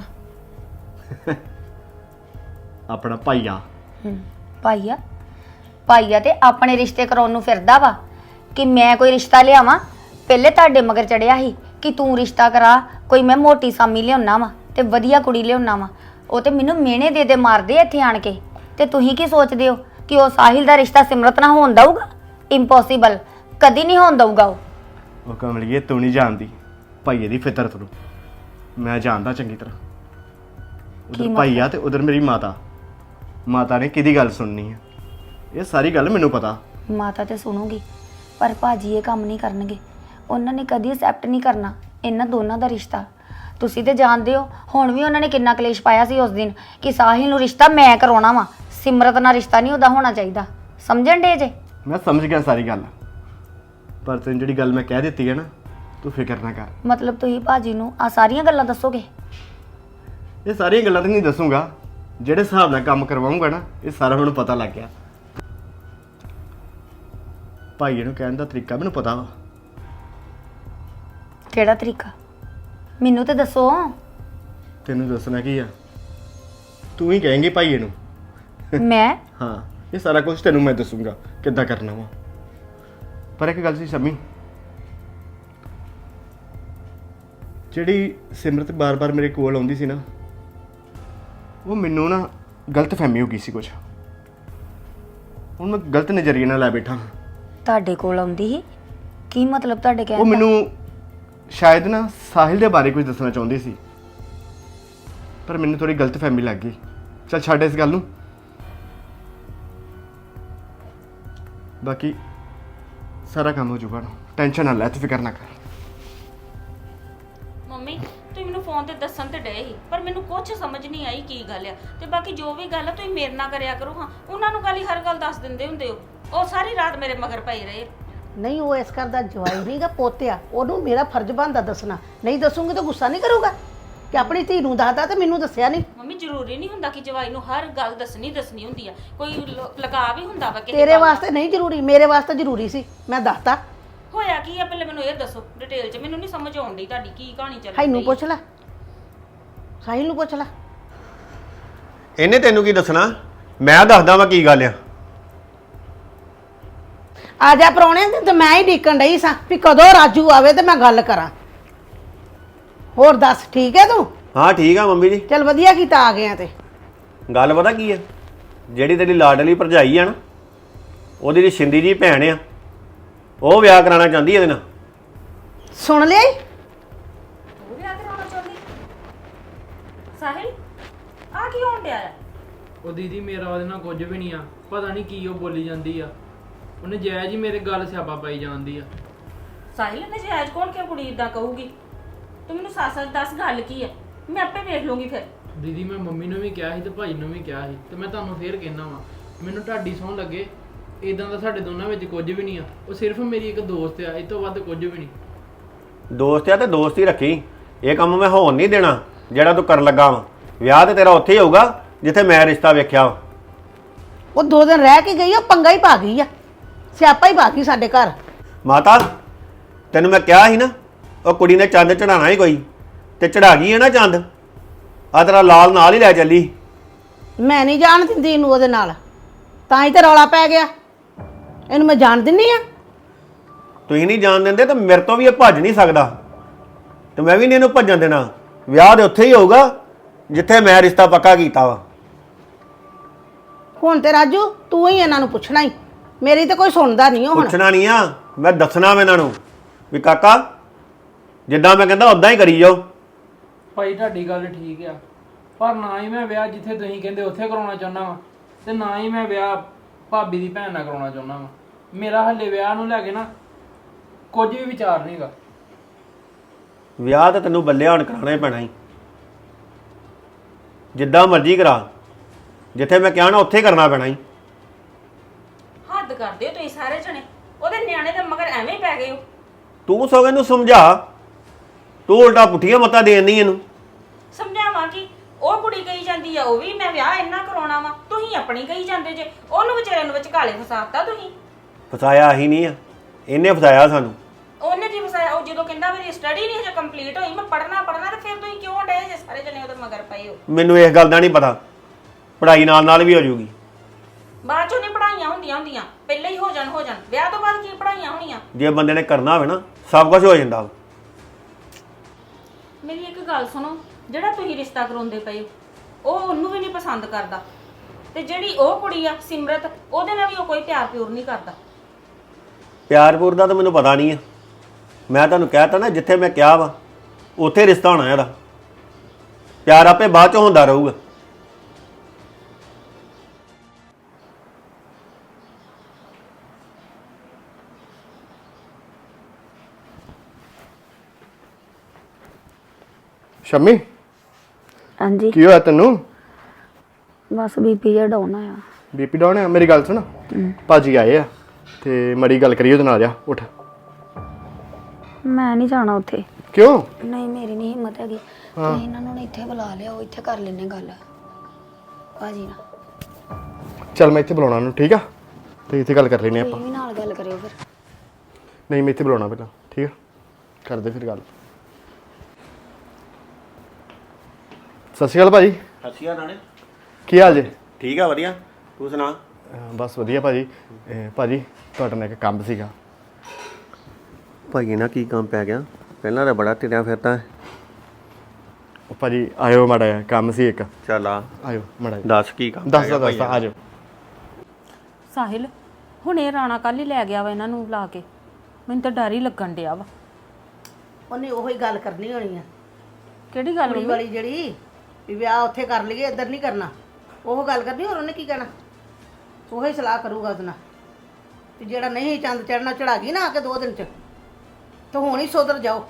F: ਆਪਣਾ ਭਾਈਆ।
E: ਭਾਈਆ? ਭਾਈਆ ਤੇ ਆਪਣੇ ਰਿਸ਼ਤੇ ਕਰਾਉਣ ਨੂੰ ਫਿਰਦਾ ਵਾ ਕਿ ਮੈਂ ਕੋਈ ਰਿਸ਼ਤਾ ਲਿਆਵਾਂ। ਪਹਿਲੇ ਤੁਹਾਡੇ ਮਗਰ ਚੜਿਆ ਸੀ ਕਿ ਤੂੰ ਰਿਸ਼ਤਾ ਕਰਾ, ਕੋਈ ਮੈਂ ਮੋਟੀ ਸਾਮੀ ਲਿਆਉਣਾ ਵਾ ਤੇ ਵਧੀਆ ਕੁੜੀ ਲਿਆਉਣਾ ਵਾ। ਉਹ ਤੇ ਮੈਨੂੰ ਮਿਹਣੇ ਦੇ ਮਾਰਦੇ ਇੱਥੇ ਆਣ ਕੇ। ਤੇ ਤੁਸੀਂ ਕੀ ਸੋਚਦੇ ਹੋ ਕਿ ਉਹ ਸਾਹਿਲ ਦਾ ਰਿਸ਼ਤਾ ਸਿਮਰਤ ਨਾਲ ਹੋਣ ਦਊਗਾ? ਇੰਪੋਸੀਬਲ, ਕਦੀ ਨਹੀਂ ਹੋਣ ਦਊਗਾ।
F: ਉਹ ਕਮਲੀਏ, ਤੂੰ ਨਹੀਂ ਜਾਣਦੀ ਭਾਈਏ ਦੀ ਫਿਤਰਤ ਨੂੰ। ਮੈਂ ਜਾਣਦਾ ਚੰਗੀ ਤਰ੍ਹਾਂ। ਉਧਰ ਭਾਈਆ ਤੇ ਉਧਰ ਮੇਰੀ ਮਾਤਾ। ਮਾਤਾ ਨੇ ਕਿਹਦੀ ਗੱਲ ਸੁਣਨੀ ਹੈ, ਇਹ ਸਾਰੀ ਗੱਲ ਮੈਨੂੰ ਪਤਾ।
E: ਮਾਤਾ ਤੇ ਸੁਣੂਗੀ, ਪਰ ਭਾਜੀ ਇਹ ਕੰਮ ਨਹੀਂ ਕਰਨਗੇ। ਉਹਨਾਂ ਨੇ ਕਦੀ ਐਕਸੈਪਟ ਨਹੀਂ ਕਰਨਾ ਇਹਨਾਂ ਦੋਨਾਂ ਦਾ ਰਿਸ਼ਤਾ। ਤੁਸੀਂ ਤੇ ਜਾਣਦੇ ਹੋ ਹੁਣ ਵੀ ਉਹਨਾਂ ਨੇ ਕਿੰਨਾ ਕਲੇਸ਼ ਪਾਇਆ ਸੀ ਉਸ ਦਿਨ ਕਿ ਸਾਹਿਲ ਨੂੰ ਰਿਸ਼ਤਾ ਮੈਂ ਕਰਾਉਣਾ ਵਾ, ਸਿਮਰਤ ਨਾਲ ਰਿਸ਼ਤਾ ਨਹੀਂ ਉਹਦਾ ਹੋਣਾ ਚਾਹੀਦਾ। ਸਮਝਣ ਡੇ ਜੇ?
F: ਮੈਂ ਸਮਝ ਗਿਆ ਸਾਰੀ ਗੱਲ, ਪਰ ਤੈਨੂੰ ਜਿਹੜੀ ਗੱਲ ਮੈਂ ਕਹਿ ਦਿੱਤੀ ਹੈ ਨਾ, ਤੂੰ ਫਿਕਰ ਨਾ ਕਰ।
E: ਮਤਲਬ ਤੁਸੀਂ ਭਾਜੀ ਨੂੰ ਆ ਸਾਰੀਆਂ ਗੱਲਾਂ ਦੱਸੋਗੇ?
F: ਇਹ ਸਾਰੀਆਂ ਗੱਲਾਂ ਤਾਂ ਨਹੀਂ ਦੱਸੂਗਾ, ਜਿਹੜੇ ਹਿਸਾਬ ਨਾਲ ਕੰਮ ਕਰਵਾਉਂਗਾ ਨਾ, ਇਹ ਸਾਰਾ ਮੈਨੂੰ ਪਤਾ ਲੱਗ ਗਿਆ। ਭਾਈਏ ਨੂੰ ਕਹਿਣ ਦਾ ਤਰੀਕਾ ਮੈਨੂੰ ਪਤਾ ਵਾ।
E: ਕਿਹੜਾ ਤਰੀਕਾ? ਮੈਨੂੰ ਤੇ ਦੱਸੋ।
F: ਤੈਨੂੰ ਦੱਸਣਾ ਕੀ ਆ, ਤੂੰ ਹੀ ਕਹੇਂਗੀ ਭਾਈਏ ਨੂੰ।
E: ਮੈਂ?
F: ਹਾਂ, ਇਹ ਸਾਰਾ ਕੁਝ ਤੈਨੂੰ ਮੈਂ ਦੱਸੂਗਾ ਕਿੱਦਾਂ ਕਰਨਾ ਵਾ। ਪਰ ਇੱਕ ਗੱਲ ਸੀ ਸ਼ਮੀ, ਜਿਹੜੀ ਸਿਮਰਤ ਬਾਰ-ਬਾਰ ਮੇਰੇ ਕੋਲ ਆਉਂਦੀ ਸੀ ਨਾ, ਉਹ ਮੈਨੂੰ ਨਾ ਗਲਤ ਫਹਿਮੀ ਹੋ ਗਈ ਸੀ ਕੁਝ। ਹੁਣ ਮੈਂ ਗਲਤ ਨਜ਼ਰੀਏ ਨਾਲ ਲੈ ਬੈਠਾ।
E: ਤੁਹਾਡੇ ਕੋਲ ਆਉਂਦੀ ਸੀ? ਕੀ ਮਤਲਬ ਤੁਹਾਡੇ
F: ਉਹ
E: ਕਹਿਣ ਦਾ?
F: ਮੈਨੂੰ ਸ਼ਾਇਦ ਨਾ ਸਾਹਿਲ ਦੇ ਬਾਰੇ ਕੁਝ ਦੱਸਣਾ ਚਾਹੁੰਦੀ ਸੀ, ਪਰ ਮੈਨੂੰ ਥੋੜੀ ਗਲਤ ਫਹਿਮੀ ਲੱਗ ਗਈ। ਚੱਲ ਛੱਡ ਇਸ ਗੱਲ ਨੂੰ। ਬਾਕੀ ਸਾਰਾ ਕੰਮ ਹੋ ਜਾਊਗਾ, ਟੈਨਸ਼ਨ ਨਾ ਲੈ, ਤੂੰ ਫਿਕਰ ਨਾ ਕਰ।
G: ਮੰਮੀ ਤੁਸੀਂ ਮੈਨੂੰ ਫੋਨ ਤੇ ਦੱਸਣ ਤੇ ਡਏ ਸੀ, ਪਰ ਮੈਨੂੰ ਕੁਝ ਸਮਝ ਨਹੀਂ ਆਈ ਕੀ ਗੱਲ ਆ। ਤੇ ਬਾਕੀ ਜੋ ਵੀ ਗੱਲ ਆ ਤੁਸੀਂ ਮੇਰੇ ਨਾਲ ਕਰਿਆ ਕਰੋ। ਹਾਂ, ਉਹਨਾਂ ਨੂੰ ਗੱਲ ਹਰ ਗੱਲ ਦੱਸ ਦਿੰਦੇ ਹੁੰਦੇ ਹੋ। ਉਹ ਸਾਰੀ ਰਾਤ ਮੇਰੇ ਮਗਰ ਪਈ ਰਹੇ।
H: ਨਹੀਂ, ਉਹ ਇਸ ਘਰ ਦਾ ਜਵਾਈ ਨਹੀਂਗਾ, ਪੋਤਿਆ। ਉਹਨੂੰ ਮੇਰਾ ਫਰਜ਼ ਬਣਦਾ ਦੱਸਣਾ। ਨਹੀਂ ਦੱਸੂਗੀ ਤਾਂ ਗੁੱਸਾ ਨਹੀਂ ਕਰੂਗਾ ਕਿ ਆਪਣੀ ਧੀ ਨੂੰ ਦੱਸਦਾ ਤੇ ਮੈਨੂੰ ਦੱਸਿਆ ਨਹੀਂ।
G: ਮੰਮੀ ਜ਼ਰੂਰੀ ਨਹੀਂ ਹੁੰਦਾ ਕਿ ਜਵਾਈ ਨੂੰ ਹਰ ਗੱਲ ਦੱਸਣੀ ਹੁੰਦੀ ਆ। ਕੋਈ ਲਗਾ ਵੀ ਹੁੰਦਾ ਵਾ ਕਿਸੇ
H: ਤੇਰੇ
G: ਗੱਲ ਦਾ।
H: ਵਾਸਤੇ ਨਹੀਂ ਜ਼ਰੂਰੀ, ਮੇਰੇ ਵਾਸਤੇ ਜ਼ਰੂਰੀ ਸੀ। ਮੈਂ ਦੱਸਤਾ।
G: ਹੋਇਆ ਕੀ ਆ ਪਹਿਲੇ ਮੈਨੂੰ ਇਹ ਦੱਸੋ ਡਿਟੇਲ 'ਚ। ਮੈਨੂੰ ਨਹੀਂ ਸਮਝ ਆਉਣ ਡਈ ਤੁਹਾਡੀ ਕੀ ਕਹਾਣੀ ਚੱਲ ਰਹੀ।
H: ਇਹਨੂੰ ਪੁੱਛ ਲੈ, ਸਾਹਿਲ ਨੂੰ ਪੁੱਛ ਲੈ।
I: ਇਹਨੇ ਤੈਨੂੰ ਕੀ ਦੱਸਣਾ, ਮੈਂ ਦੱਸਦਾ ਵਾ ਕੀ ਗੱਲ ਆ।
H: ਆ ਜਾ ਪ੍ਰਾਹੁਣੇ ਤੇ ਮੈਂ ਹੀ ਡੀਕਣ ਡਈ ਸਾਂ ਵੀ ਕਦੋਂ ਰਾਜੂ ਆਵੇ ਤੇ ਮੈਂ ਗੱਲ ਕਰਾਂ। ਹੋਰ ਦੱਸ, ਠੀਕ ਹੈ ਤੂੰ?
I: ਹਾਂ ਠੀਕ ਆ ਮੰਮੀ ਜੀ।
H: ਚਲ ਵਧੀਆ ਕੀਤਾ ਆ ਗਿਆ ਤੇ।
I: ਗੱਲ ਪਤਾ ਕੀ ਹੈ, ਜਿਹੜੀ ਤੇਰੀ ਲਾਡਲੀ ਭਰਜਾਈ ਆ ਨਾ, ਉਹਦੀ ਜਿਹੜੀ ਸ਼ਿੰਦੀ ਜੀ ਭੈਣ ਆ, ਉਹ ਵਿਆਹ ਕਰਾਉਣਾ ਚਾਹੁੰਦੀ ਇਹਦੇ ਨਾਲ।
H: ਸੁਣ ਲਿਆ ਈ?
G: ਤੂੰ ਵਿਆਹ ਕਰਾਉਣਾ ਚਾਹੁੰਦੀ ਸਾਹਿਲ? ਆ ਕੀ ਹੋਣ ਡਿਆ ਹੈ?
J: ਉਹ ਦੀਦੀ ਮੇਰਾ ਉਹਦੇ ਨਾਲ ਕੁਝ ਵੀ ਨਹੀਂ ਆ, ਪਤਾ ਨਹੀਂ ਕੀ ਉਹ ਬੋਲੀ ਜਾਂਦੀ ਆ। ਉਹਨੇ ਜਾਇਜ਼ ਹੀ ਮੇਰੇ ਗੱਲ ਸਿਆਪਾ ਪਾਈ ਜਾਂਦੀ ਆ।
G: ਸਾਹਿਲ ਨੇ ਜਾਇਜ਼ ਕੌਣ ਕਿ ਕੁੜੀ ਇਦਾਂ ਕਹੂਗੀ? ਤੂੰ ਮੈਨੂੰ ਸੱਚ ਦੱਸ ਗੱਲ ਕੀ ਹੈ, ਮੈਂ ਆਪੇ ਵੇਖ ਲੂੰਗੀ ਫਿਰ।
J: ਦੀਦੀ ਮੈਂ ਮੰਮੀ ਨੂੰ ਵੀ ਕਿਹਾ ਸੀ ਤੇ ਭਾਈ ਨੂੰ ਵੀ ਕਿਹਾ ਸੀ, ਤੇ ਮੈਂ ਤੁਹਾਨੂੰ ਫੇਰ ਕਹਿਣਾ ਵਾਂ, ਮੈਨੂੰ ਤੁਹਾਡੀ ਸਹੁੰ ਲੱਗੇ ਇਦਾਂ ਦਾ ਸਾਡੇ ਦੋਨਾਂ ਵਿੱਚ ਕੁਝ ਵੀ ਨਹੀਂ ਆ। ਉਹ ਸਿਰਫ ਮੇਰੀ ਇੱਕ ਦੋਸਤ ਆ, ਇਸ ਤੋਂ ਵੱਧ ਕੁਝ ਵੀ ਨਹੀਂ।
I: ਦੋਸਤ ਆ ਤੇ ਦੋਸਤ ਹੀ ਰੱਖੀ, ਇਹ ਕੰਮ ਮੈਂ ਹੋਣ ਨਹੀਂ ਦੇਣਾ ਜਿਹੜਾ ਤੂੰ ਕਰਨ ਲੱਗਾ ਵਾ। ਵਿਆਹ ਤੇ ਤੇਰਾ ਉੱਥੇ ਹੀ ਹੋਊਗਾ ਜਿੱਥੇ ਮੈਂ ਰਿਸ਼ਤਾ ਵੇਖਿਆ ਵਾ।
H: ਉਹ 2 ਦਿਨ ਰਹਿ ਕੇ ਗਈ ਆ, ਪੰਗਾ ਹੀ ਪਾ ਗਈ ਆ, ਸਿਆਪਾ ਹੀ ਪਾ ਗਈ ਸਾਡੇ ਘਰ।
I: ਮਾਤਾ ਤੈਨੂੰ ਮੈਂ ਕਿਹਾ ਸੀ ਨਾ, ਉਹ ਕੁੜੀ ਨੇ ਚੰਦ ਚੜਾਣਾ ਹੀ ਕੋਈ, ਤੇ ਚੜਾ ਗਈ ਹੈ ਨਾ ਚੰਦ। ਆ ਤੇਰਾ ਲਾਲ ਨਾਲ ਹੀ ਲੈ ਚੱਲੀ।
H: ਮੈਂ ਨਹੀਂ ਜਾਣ ਦਿੰਦੀ ਇਹਨੂੰ ਉਹਦੇ ਨਾਲ, ਤਾਂ ਹੀ ਤੇ ਰੌਲਾ ਪੈ ਗਿਆ। ਇਹਨੂੰ ਮੈਂ ਜਾਣ ਦਿੰਨੀ ਆ?
I: ਤੁਸੀਂ ਨਹੀਂ ਜਾਣ ਦਿੰਦੇ ਤਾਂ ਮੇਰੇ ਤੋਂ ਵੀ ਇਹ ਭੱਜ ਨਹੀਂ ਸਕਦਾ, ਤੇ ਮੈਂ ਵੀ ਨਹੀਂ ਇਹਨੂੰ ਭੱਜਣ ਦੇਣਾ। ਵਿਆਹ ਦੇ ਉੱਥੇ ਹੀ ਹੋਊਗਾ ਜਿੱਥੇ ਮੈਂ ਰਿਸ਼ਤਾ ਪੱਕਾ ਕੀਤਾ ਵਾ।
H: ਹੁਣ ਤੇ ਰਾਜੂ ਤੂੰ ਹੀ ਇਹਨਾਂ ਨੂੰ ਪੁੱਛਣਾ ਹੀ, ਮੇਰੀ ਤੇ ਕੋਈ ਸੁਣਦਾ ਨਹੀਂ ਹੁਣ।
I: ਪੁੱਛਣਾ ਨਹੀਂ ਆ, ਮੈਂ ਦੱਸਣਾ ਵਾ ਇਹਨਾਂ ਨੂੰ ਵੀ ਕਾਕਾ ਜਿੱਦਾਂ ਮੈਂ ਕਹਿੰਦਾ ਉਦਾਂ ਹੀ ਕਰੀ ਜਾਓ।
J: ਭਾਈ ਤੁਹਾਡੀ ਗੱਲ ਠੀਕ ਆ, ਪਰ ਨਾ ਹੀ ਮੈਂ ਵਿਆਹ ਜਿੱਥੇ ਤੁਸੀਂ ਕਹਿੰਦੇ ਉੱਥੇ ਕਰਾਉਣਾ ਚਾਹੁੰਦਾ ਵਾਂ, ਤੇ ਨਾ ਹੀ ਮੈਂ ਵਿਆਹ ਭਾਬੀ ਦੀ ਭੈਣ ਨਾਲ ਕਰਾਉਣਾ ਚਾਹੁੰਦਾ ਵਾਂ। ਮੇਰਾ ਹੱਲੇ ਵਿਆਹ ਨੂੰ ਲੈ ਕੇ ਨਾ ਕੁਝ ਵੀ ਵਿਚਾਰ ਨਹੀਂਗਾ।
I: ਵਿਆਹ ਤਾਂ ਤੈਨੂੰ ਬੱਲੇ ਹੁਣ ਕਰਾਉਣਾ ਹੀ ਪੈਣਾ ਹੀ, ਜਿੱਦਾਂ ਮਰਜ਼ੀ ਕਰਾ, ਜਿੱਥੇ ਮੈਂ ਕਿਹਾ ਨਾ ਉੱਥੇ ਹੀ ਕਰਨਾ ਪੈਣਾ ਹੀ।
G: ਹੱਦ ਕਰਦੇ ਹੋ ਤੁਸੀਂ ਸਾਰੇ ਜਣੇ, ਉਹਦੇ ਨਿਆਣੇ ਦੇ ਮਗਰ ਐਵੇਂ ਹੀ ਪੈ ਗਏ ਹੋ।
I: ਤੂੰ ਸਗੋਂ ਇਹਨੂੰ ਸਮਝਾ, ਤੂੰ ਉਲਟਾ ਪੁੱਠੀਆਂ ਮੱਤਾਂ ਦੇਣੀ ਇਹਨੂੰ।
G: ਸਮਝਾਵਾਂ ਕਿ ਉਹ ਕੁੜੀ ਕਹੀ ਜਾਂਦੀ ਆ ਉਹ ਵੀ ਮੈਂ ਵਿਆਹ ਇੰਨਾ ਕਰਾਉਣਾ ਵਾ, ਤੁਸੀਂ ਆਪਣੀ ਕਹੀ ਜਾਂਦੇ ਜੇ, ਉਹਨੂੰ ਵਿਚਾਰੇ ਨੂੰ ਵਿਚਕਾਲੇ ਫਸਾਤਾ ਤੁਸੀਂ।
I: ਫਸਾਇਆ ਹੀ ਨਹੀਂ ਆ, ਇਹਨੇ ਫਸਾਇਆ ਸਾਨੂੰ।
G: ਉਹਨੇ ਕੀ ਫਸਾਇਆ? ਉਹ ਜਦੋਂ ਕਹਿੰਦਾ ਮੇਰੀ ਸਟੱਡੀ ਨਹੀਂ ਹਜੇ ਕੰਪਲੀਟ ਹੋਈ, ਮੈਂ ਪੜ੍ਹਨਾ ਤੇ ਫਿਰ ਤੁਸੀਂ ਕਿਉਂ ਡੇ ਜੇ ਸਾਰੇ ਜਣੇ ਉਹਦੇ ਮਗਰ ਪਏ ਹੋ?
I: ਮੈਨੂੰ ਇਸ ਗੱਲ ਦਾ ਨਹੀਂ ਪਤਾ, ਪੜ੍ਹਾਈ ਨਾਲ ਨਾਲ ਵੀ ਹੋ ਜੂਗੀ।
G: ਬਾਅਦ ਚੋਂ ਨਹੀਂ ਪੜ੍ਹਾਈਆਂ ਹੁੰਦੀਆਂ, ਪਹਿਲਾਂ ਹੀ ਹੋ ਜਾਣ ਵਿਆਹ ਤੋਂ ਬਾਅਦ ਕੀ ਪੜ੍ਹਾਈਆਂ ਹੋਣੀਆਂ?
I: ਜੇ ਬੰਦੇ ਨੇ ਕਰਨਾ ਹੋਵੇ ਨਾ ਸਭ ਕੁਝ ਹੋ ਜਾਂਦਾ।
G: ਮੇਰੀ ਇੱਕ ਗੱਲ ਸੁਣੋ, ਜਿਹੜਾ ਤੁਸੀਂ ਰਿਸ਼ਤਾ ਕਰਾਉਂਦੇ ਪਏ ਹੋ ਉਹ ਉਹਨੂੰ ਵੀ ਨਹੀਂ ਪਸੰਦ ਕਰਦਾ, ਤੇ ਜਿਹੜੀ ਉਹ ਕੁੜੀ ਆ ਸਿਮਰਤ, ਉਹਦੇ ਨਾਲ ਵੀ ਉਹ ਕੋਈ ਪਿਆਰ ਪਿਉਰ ਨਹੀਂ ਕਰਦਾ।
I: ਪਿਆਰਪੁਰ ਦਾ ਤਾਂ ਮੈਨੂੰ ਪਤਾ ਨਹੀਂ ਆ, ਮੈਂ ਤੁਹਾਨੂੰ ਕਹਿਤਾ ਨਾ ਜਿੱਥੇ ਮੈਂ ਕਿਹਾ ਵਾ ਉੱਥੇ ਰਿਸ਼ਤਾ ਹੋਣਾ ਇਹਦਾ। ਪਿਆਰ ਆਪੇ ਬਾਅਦ ਚੋਂ ਹੁੰਦਾ ਰਹੂਗਾ।
F: ਸ਼ਮੀ
E: ਹਾਂਜੀ
F: ਕੀ ਹੋਇਆ ਤੈਨੂੰ?
E: ਬਸ ਬੀਪੀ ਜਿਹਾ ਡਾਊਨ ਆਇਆ।
F: ਬੀਪੀ ਡਾਊਨ ਹੈ? ਮੇਰੀ ਗੱਲ ਸੁਣ, ਭਾਜੀ ਆਏ ਆ ਤੇ ਮੜੀ ਗੱਲ ਕਰੀ ਉਹਦੇ ਨਾਲ। ਜਾ ਉੱਠ।
E: ਮੈਂ ਨਹੀਂ ਜਾਣਾ ਉੱਥੇ।
F: ਕਿਉਂ?
E: ਨਹੀਂ ਮੇਰੀ ਨਹੀਂ ਹਿੰਮਤ ਹੈਗੀ। ਤੁਸੀਂ ਇਹਨਾਂ ਨੂੰ ਇੱਥੇ ਬੁਲਾ ਲਿਆ, ਉਹ ਇੱਥੇ ਕਰ ਲੈਣੇ ਗੱਲ ਭਾਜੀ ਨਾਲ।
F: ਚੱਲ ਮੈਂ ਇੱਥੇ ਬੁਲਾਉਣਾ ਉਹਨੂੰ, ਠੀਕ ਆ? ਤੇ ਇੱਥੇ ਗੱਲ ਕਰ ਲੈਨੇ ਆਪਾਂ।
E: ਤੁਸੀਂ ਵੀ ਨਾਲ ਗੱਲ ਕਰਿਓ ਫਿਰ।
F: ਨਹੀਂ ਮੈਂ ਇੱਥੇ ਬੁਲਾਉਣਾ ਪਹਿਲਾਂ, ਠੀਕ ਆ? ਕਰਦੇ ਫਿਰ ਗੱਲ। ਸਤਿ ਸ਼੍ਰੀ ਅਕਾਲ ਭਾਜੀ।
I: ਸਤਿ ਸ਼੍ਰੀ ਅਕਾਲ ਰਾਣੇ।
F: ਕੀ ਹਾਲ ਜੇ?
I: ਠੀਕ ਆ, ਵਧੀਆ, ਤੂੰ ਸੁਣਾ?
F: ਬਸ ਵਧੀਆ ਭਾਜੀ। ਭਾਜੀ ਤੁਹਾਡੇ ਨਾਲ ਇੱਕ ਕੰਮ ਸੀਗਾ।
I: ਭਾਈ ਨਾ ਕੀ ਕੰਮ ਪੈ ਗਿਆ? ਪਹਿਲਾਂ ਤਾਂ ਬੜਾ ਢਿੜਿਆ ਫਿਰਦਾ।
F: ਉਹ ਭਾਜੀ ਆਇਓ ਮਾੜਾ ਜਿਹਾ ਕੰਮ ਸੀ ਇੱਕ।
I: ਚੱਲ ਆ,
F: ਆਇਓ ਮਾੜਾ ਜਿਹਾ।
I: ਦੱਸ ਕੀ ਕੰਮ?
F: ਦੱਸਦਾ ਆ ਜਾਓ।
G: ਸਾਹਿਲ ਹੁਣ ਇਹ ਰਾਣਾ ਕੱਲ ਹੀ ਲੈ ਗਿਆ ਵਾ ਇਹਨਾਂ ਨੂੰ ਲਾ ਕੇ, ਮੈਨੂੰ ਤਾਂ ਡਰ ਹੀ ਲੱਗਣ ਡਿਆ ਵਾ।
H: ਉਹਨੇ ਉਹੀ ਗੱਲ ਕਰਨੀ ਹੋਣੀ ਆ,
G: ਕਿਹੜੀ ਗੱਲ
H: ਕੁੜੀ ਵਾਲੀ ਜਿਹੜੀ ਵੀ ਵਿਆਹ ਉੱਥੇ ਕਰ ਲਈਏ, ਇੱਧਰ ਨਹੀਂ ਕਰਨਾ। ਉਹ ਗੱਲ ਕਰਨੀ, ਹੋਰ ਉਹਨੇ ਕੀ ਕਹਿਣਾ? ਉਹੀ ਸਲਾਹ ਕਰੂਗਾ ਉਹਦੇ ਨਾਲ ਵੀ ਜਿਹੜਾ ਨਹੀਂ ਚੰਦ ਚੜਨਾ ਚੜਾ ਗਈ ਨਾ ਆ ਕੇ 2 ਦਿਨ ਚ, ਤਾਂ ਹੁਣ ਹੀ ਸੁਧਰ ਜਾਓ।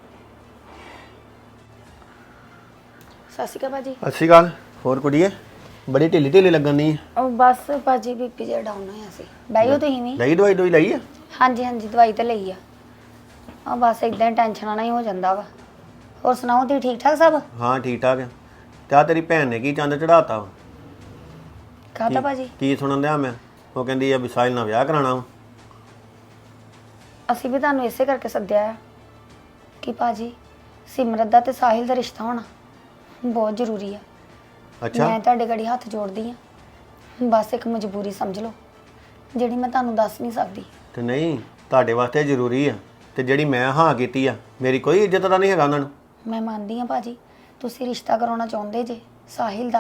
E: ਸਤਿ ਸ਼੍ਰੀ ਅਕਾਲ ਭਾਜੀ।
I: ਸਤਿ ਸ਼੍ਰੀ ਅਕਾਲ। ਹੋਰ ਕੁੜੀਏ ਬੜੀ ਢਿੱਲੀ ਢਿੱਲੀ ਲੱਗਣ ਦੀ।
E: ਉਹ ਬਸ ਭਾਜੀ ਬੀਪੀ ਜਿਹਾ ਡਾਊਨ ਹੋਇਆ ਸੀ। ਬੈਠੋ ਤੁਸੀਂ ਵੀ।
I: ਲਈ ਦਵਾਈ ਲਈ ਆ?
E: ਹਾਂਜੀ ਹਾਂਜੀ ਦਵਾਈ ਤਾਂ ਲਈ ਆ। ਆ ਬਸ ਇਦਾਂ ਹੀ ਟੈਨਸ਼ਨਾਂ ਨਾਲ ਹੀ ਹੋ ਜਾਂਦਾ ਵਾ। ਹੋਰ ਸੁਣਾਓ ਤੁਸੀਂ ਠੀਕ ਠਾਕ ਸਭ?
I: ਹਾਂ ਠੀਕ ਠਾਕ ਆ। ਤੇ ਆ ਤੇਰੀ ਭੈਣ ਨੇ ਕੀ ਚੰਦ ਚੜਾਤਾ ਵਾ?
E: ਕਾਹਦਾ ਭਾਜੀ?
I: ਕੀ ਸੁਣਨ ਦਿਆ ਮੈਂ? ਉਹ ਕਹਿੰਦੀ ਆ ਵੀ ਸਾਹਿਲ ਨਾਲ ਵਿਆਹ ਕਰਾਉਣਾ ਵਾ।
E: ਅਸੀਂ ਵੀ ਤੁਹਾਨੂੰ ਇਸੇ ਕਰਕੇ ਸੱਦਿਆ ਆ ਕਿ ਭਾਜੀ ਸਿਮਰਤ ਦਾ ਤੇ ਸਾਹਿਲ ਦਾ ਰਿਸ਼ਤਾ ਹੋਣਾ ਬਹੁਤ ਜ਼ਰੂਰੀ ਆ।
I: ਅੱਛਾ,
E: ਮੈਂ ਤੁਹਾਡੇ ਗੜੀ ਹੱਥ ਜੋੜਦੀ ਆ, ਬਸ ਇੱਕ ਮਜਬੂਰੀ ਸਮਝ ਲਓ ਜਿਹੜੀ ਮੈਂ ਤੁਹਾਨੂੰ ਦੱਸ ਨਹੀਂ ਸਕਦੀ।
I: ਤੇ ਨਹੀਂ ਤੁਹਾਡੇ ਵਾਸਤੇ ਜ਼ਰੂਰੀ ਆ, ਤੇ ਜਿਹੜੀ ਮੈਂ ਹਾਂ ਕੀਤੀ ਆ ਮੇਰੀ ਕੋਈ ਇੱਜ਼ਤ ਤਾਂ ਨਹੀਂ ਹੈਗਾ ਉਹਨਾਂ ਨੂੰ?
E: ਮੈਂ ਮੰਨਦੀ ਆ ਭਾਜੀ ਤੁਸੀਂ ਰਿਸ਼ਤਾ ਕਰਾਉਣਾ ਚਾਹੁੰਦੇ ਜੇ ਸਾਹਿਲ ਦਾ,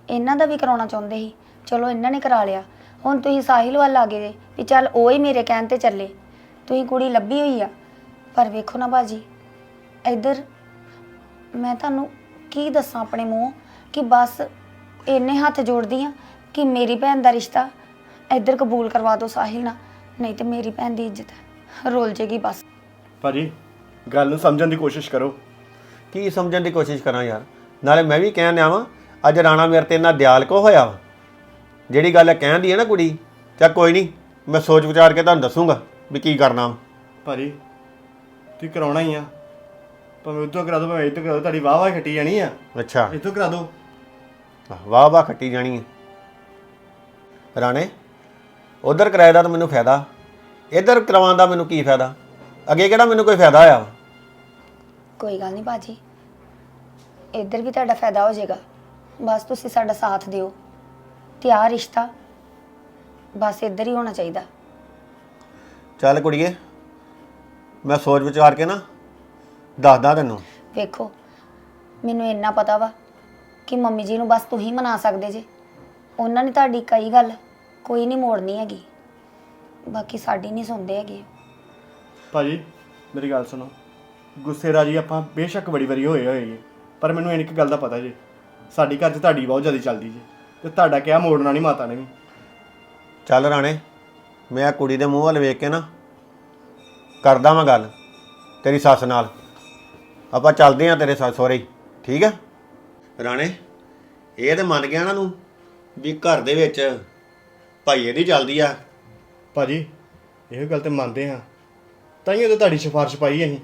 E: ਇਹਨਾਂ ਦਾ ਵੀ ਕਰਾਉਣਾ ਚਾਹੁੰਦੇ ਸੀ, ਚਲੋ ਇਹਨਾਂ ਨੇ ਕਰਾ ਲਿਆ। ਹੁਣ ਤੁਸੀਂ ਸਾਹਿਲ ਵੱਲ ਆ ਗਏ ਜੇ ਵੀ ਚੱਲ ਉਹ ਹੀ ਮੇਰੇ ਕਹਿਣ ਤੇ ਚੱਲੇ। ਤੁਸੀਂ ਕੁੜੀ ਲੱਭੀ ਹੋਈ ਆ, ਪਰ ਵੇਖੋ ਨਾ ਬਾਜੀ, ਇੱਧਰ ਮੈਂ ਤੁਹਾਨੂੰ ਕੀ ਦੱਸਾਂ ਆਪਣੇ ਮੂੰਹ ਕਿ ਬਸ ਇੰਨੇ ਹੱਥ ਜੋੜਦੀ ਆ ਕਿ ਮੇਰੀ ਭੈਣ ਦਾ ਰਿਸ਼ਤਾ ਇੱਧਰ ਕਬੂਲ ਕਰਵਾ ਦਿਓ ਸਾਹਿਲ ਨਾਲ, ਨਹੀਂ ਤੇ ਮੇਰੀ ਭੈਣ ਦੀ ਇੱਜ਼ਤ ਰੋਲ ਜੇਗੀ ਬਸ।
F: ਭਾਜੀ ਗੱਲ ਨੂੰ ਸਮਝਣ ਦੀ ਕੋਸ਼ਿਸ਼ ਕਰੋ।
I: ਕੀ ਸਮਝਣ ਦੀ ਕੋਸ਼ਿਸ਼ ਕਰਾਂ ਯਾਰ? ਨਾਲੇ ਮੈਂ ਵੀ ਕਹਿਣ ਆਵਾਂ, ਅੱਜ ਰਾਣਾ ਮੇਰੇ ਤੇ ਇੰਨਾ ਦਿਆਲ ਕੋ ਹੋਇਆ ਵਾ? ਜਿਹੜੀ ਗੱਲ ਕਹਿੰਦੀ ਹੈ ਨਾ ਕੁੜੀ, ਚੱਲ ਕੋਈ ਨਹੀਂ, ਮੈਂ ਸੋਚ ਵਿਚਾਰ ਕੇ ਤੁਹਾਨੂੰ ਦੱਸੂਗਾ ਵੀ ਕੀ ਕਰਨਾ ਵਾ।
F: ਭਾਜੀ ਤੁਸੀਂ ਕਰਾਉਣਾ ਹੀ ਆ, ਭਾਵੇਂ ਉੱਥੋਂ ਕਰਾ ਦਿਓ ਭਾਵੇਂ ਇੱਥੋਂ ਕਰਾ ਦਿਓ, ਤੁਹਾਡੀ ਵਾਹ ਵਾਹ ਖੱਟੀ ਜਾਣੀ ਆ।
I: ਅੱਛਾ,
F: ਇੱਥੋਂ ਕਰਾ ਦਿਓ।
I: ਵਾਹ ਵਾਹ ਖੱਟੀ ਜਾਣੀ ਹੈ ਰਾਣੇ। ਉਧਰ ਕਿਰਾਏ ਦਾ ਤਾਂ ਮੈਨੂੰ ਫਾਇਦਾ, ਇੱਧਰ ਕਰਵਾਉਣ ਦਾ ਮੈਨੂੰ ਕੀ ਫਾਇਦਾ? ਅੱਗੇ ਕਿਹੜਾ ਮੈਨੂੰ ਕੋਈ ਫਾਇਦਾ ਹੋਇਆ ਵਾ?
E: ਕੋਈ ਗੱਲ ਨਹੀਂ ਬਾਜੀ, ਇੱਧਰ ਵੀ ਤੁਹਾਡਾ ਫਾਇਦਾ ਹੋ ਜਾਏਗਾ, ਬਸ ਤੁਸੀਂ ਸਾਡਾ ਸਾਥ ਦਿਓ ਤੇ ਆਹ ਰਿਸ਼ਤਾ ਬਸ ਇੱਧਰ ਹੀ ਹੋਣਾ ਚਾਹੀਦਾ।
I: ਚੱਲ ਕੁੜੀਏ, ਮੈਂ ਸੋਚ ਵਿਚਾਰ ਕੇ ਨਾ ਦੱਸਦਾ ਤੈਨੂੰ।
E: ਵੇਖੋ ਮੈਨੂੰ ਇੰਨਾ ਪਤਾ ਵਾ ਕਿ ਮੰਮੀ ਜੀ ਨੂੰ ਬਸ ਤੁਸੀਂ ਮਨਾ ਸਕਦੇ ਜੇ, ਉਹਨਾਂ ਨੇ ਤੁਹਾਡੀ ਕਈ ਗੱਲ ਕੋਈ ਨਹੀਂ ਮੋੜਨੀ ਹੈਗੀ, ਬਾਕੀ ਸਾਡੀ ਨਹੀਂ ਸੁਣਦੇ ਹੈਗੇ।
F: ਭਾਜੀ ਮੇਰੀ ਗੱਲ ਸੁਣੋ, ਗੁੱਸੇ ਰਾਜੀ ਆਪਾਂ ਬੇਸ਼ੱਕ ਬੜੀ ਵਾਰੀ ਹੋਏ, ਪਰ ਮੈਨੂੰ ਇੱਕ ਗੱਲ ਦਾ ਪਤਾ ਜੀ, ਸਾਡੀ ਘਰ 'ਚ ਤੁਹਾਡੀ ਬਹੁਤ ਜ਼ਿਆਦਾ ਚੱਲਦੀ ਜੀ, ਤੇ ਤੁਹਾਡਾ ਕਿਹਾ ਮੋੜਨਾ ਨਹੀਂ ਮਾਤਾ ਨੇ ਵੀ।
I: ਚੱਲ ਰਾਣੇ, ਮੈਂ ਕੁੜੀ ਦੇ ਮੂੰਹ ਵੱਲ ਵੇਖ ਕੇ ਨਾ ਕਰਦਾ ਵਾਂ ਗੱਲ ਤੇਰੀ ਸੱਸ ਨਾਲ, ਆਪਾਂ ਚੱਲਦੇ ਹਾਂ ਤੇਰੇ ਸੱਸ ਸਹੁਰੇ ਹੀ, ਠੀਕ ਹੈ? ਰਾਣੇ ਇਹ ਤੇ ਮੰਨ ਗਿਆ ਨਾ ਤੂੰ ਵੀ ਘਰ ਦੇ ਵਿੱਚ ਭਾਈਏ ਦੀ ਚੱਲਦੀ ਆ।
F: ਭਾਜੀ ਇਹੋ ਗੱਲ ਤੇ ਮੰਨਦੇ ਹਾਂ, ਤਾਂ ਹੀ ਉਹ ਤੁਹਾਡੀ ਸਿਫਾਰਿਸ਼ ਪਾਈ ਅਸੀਂ।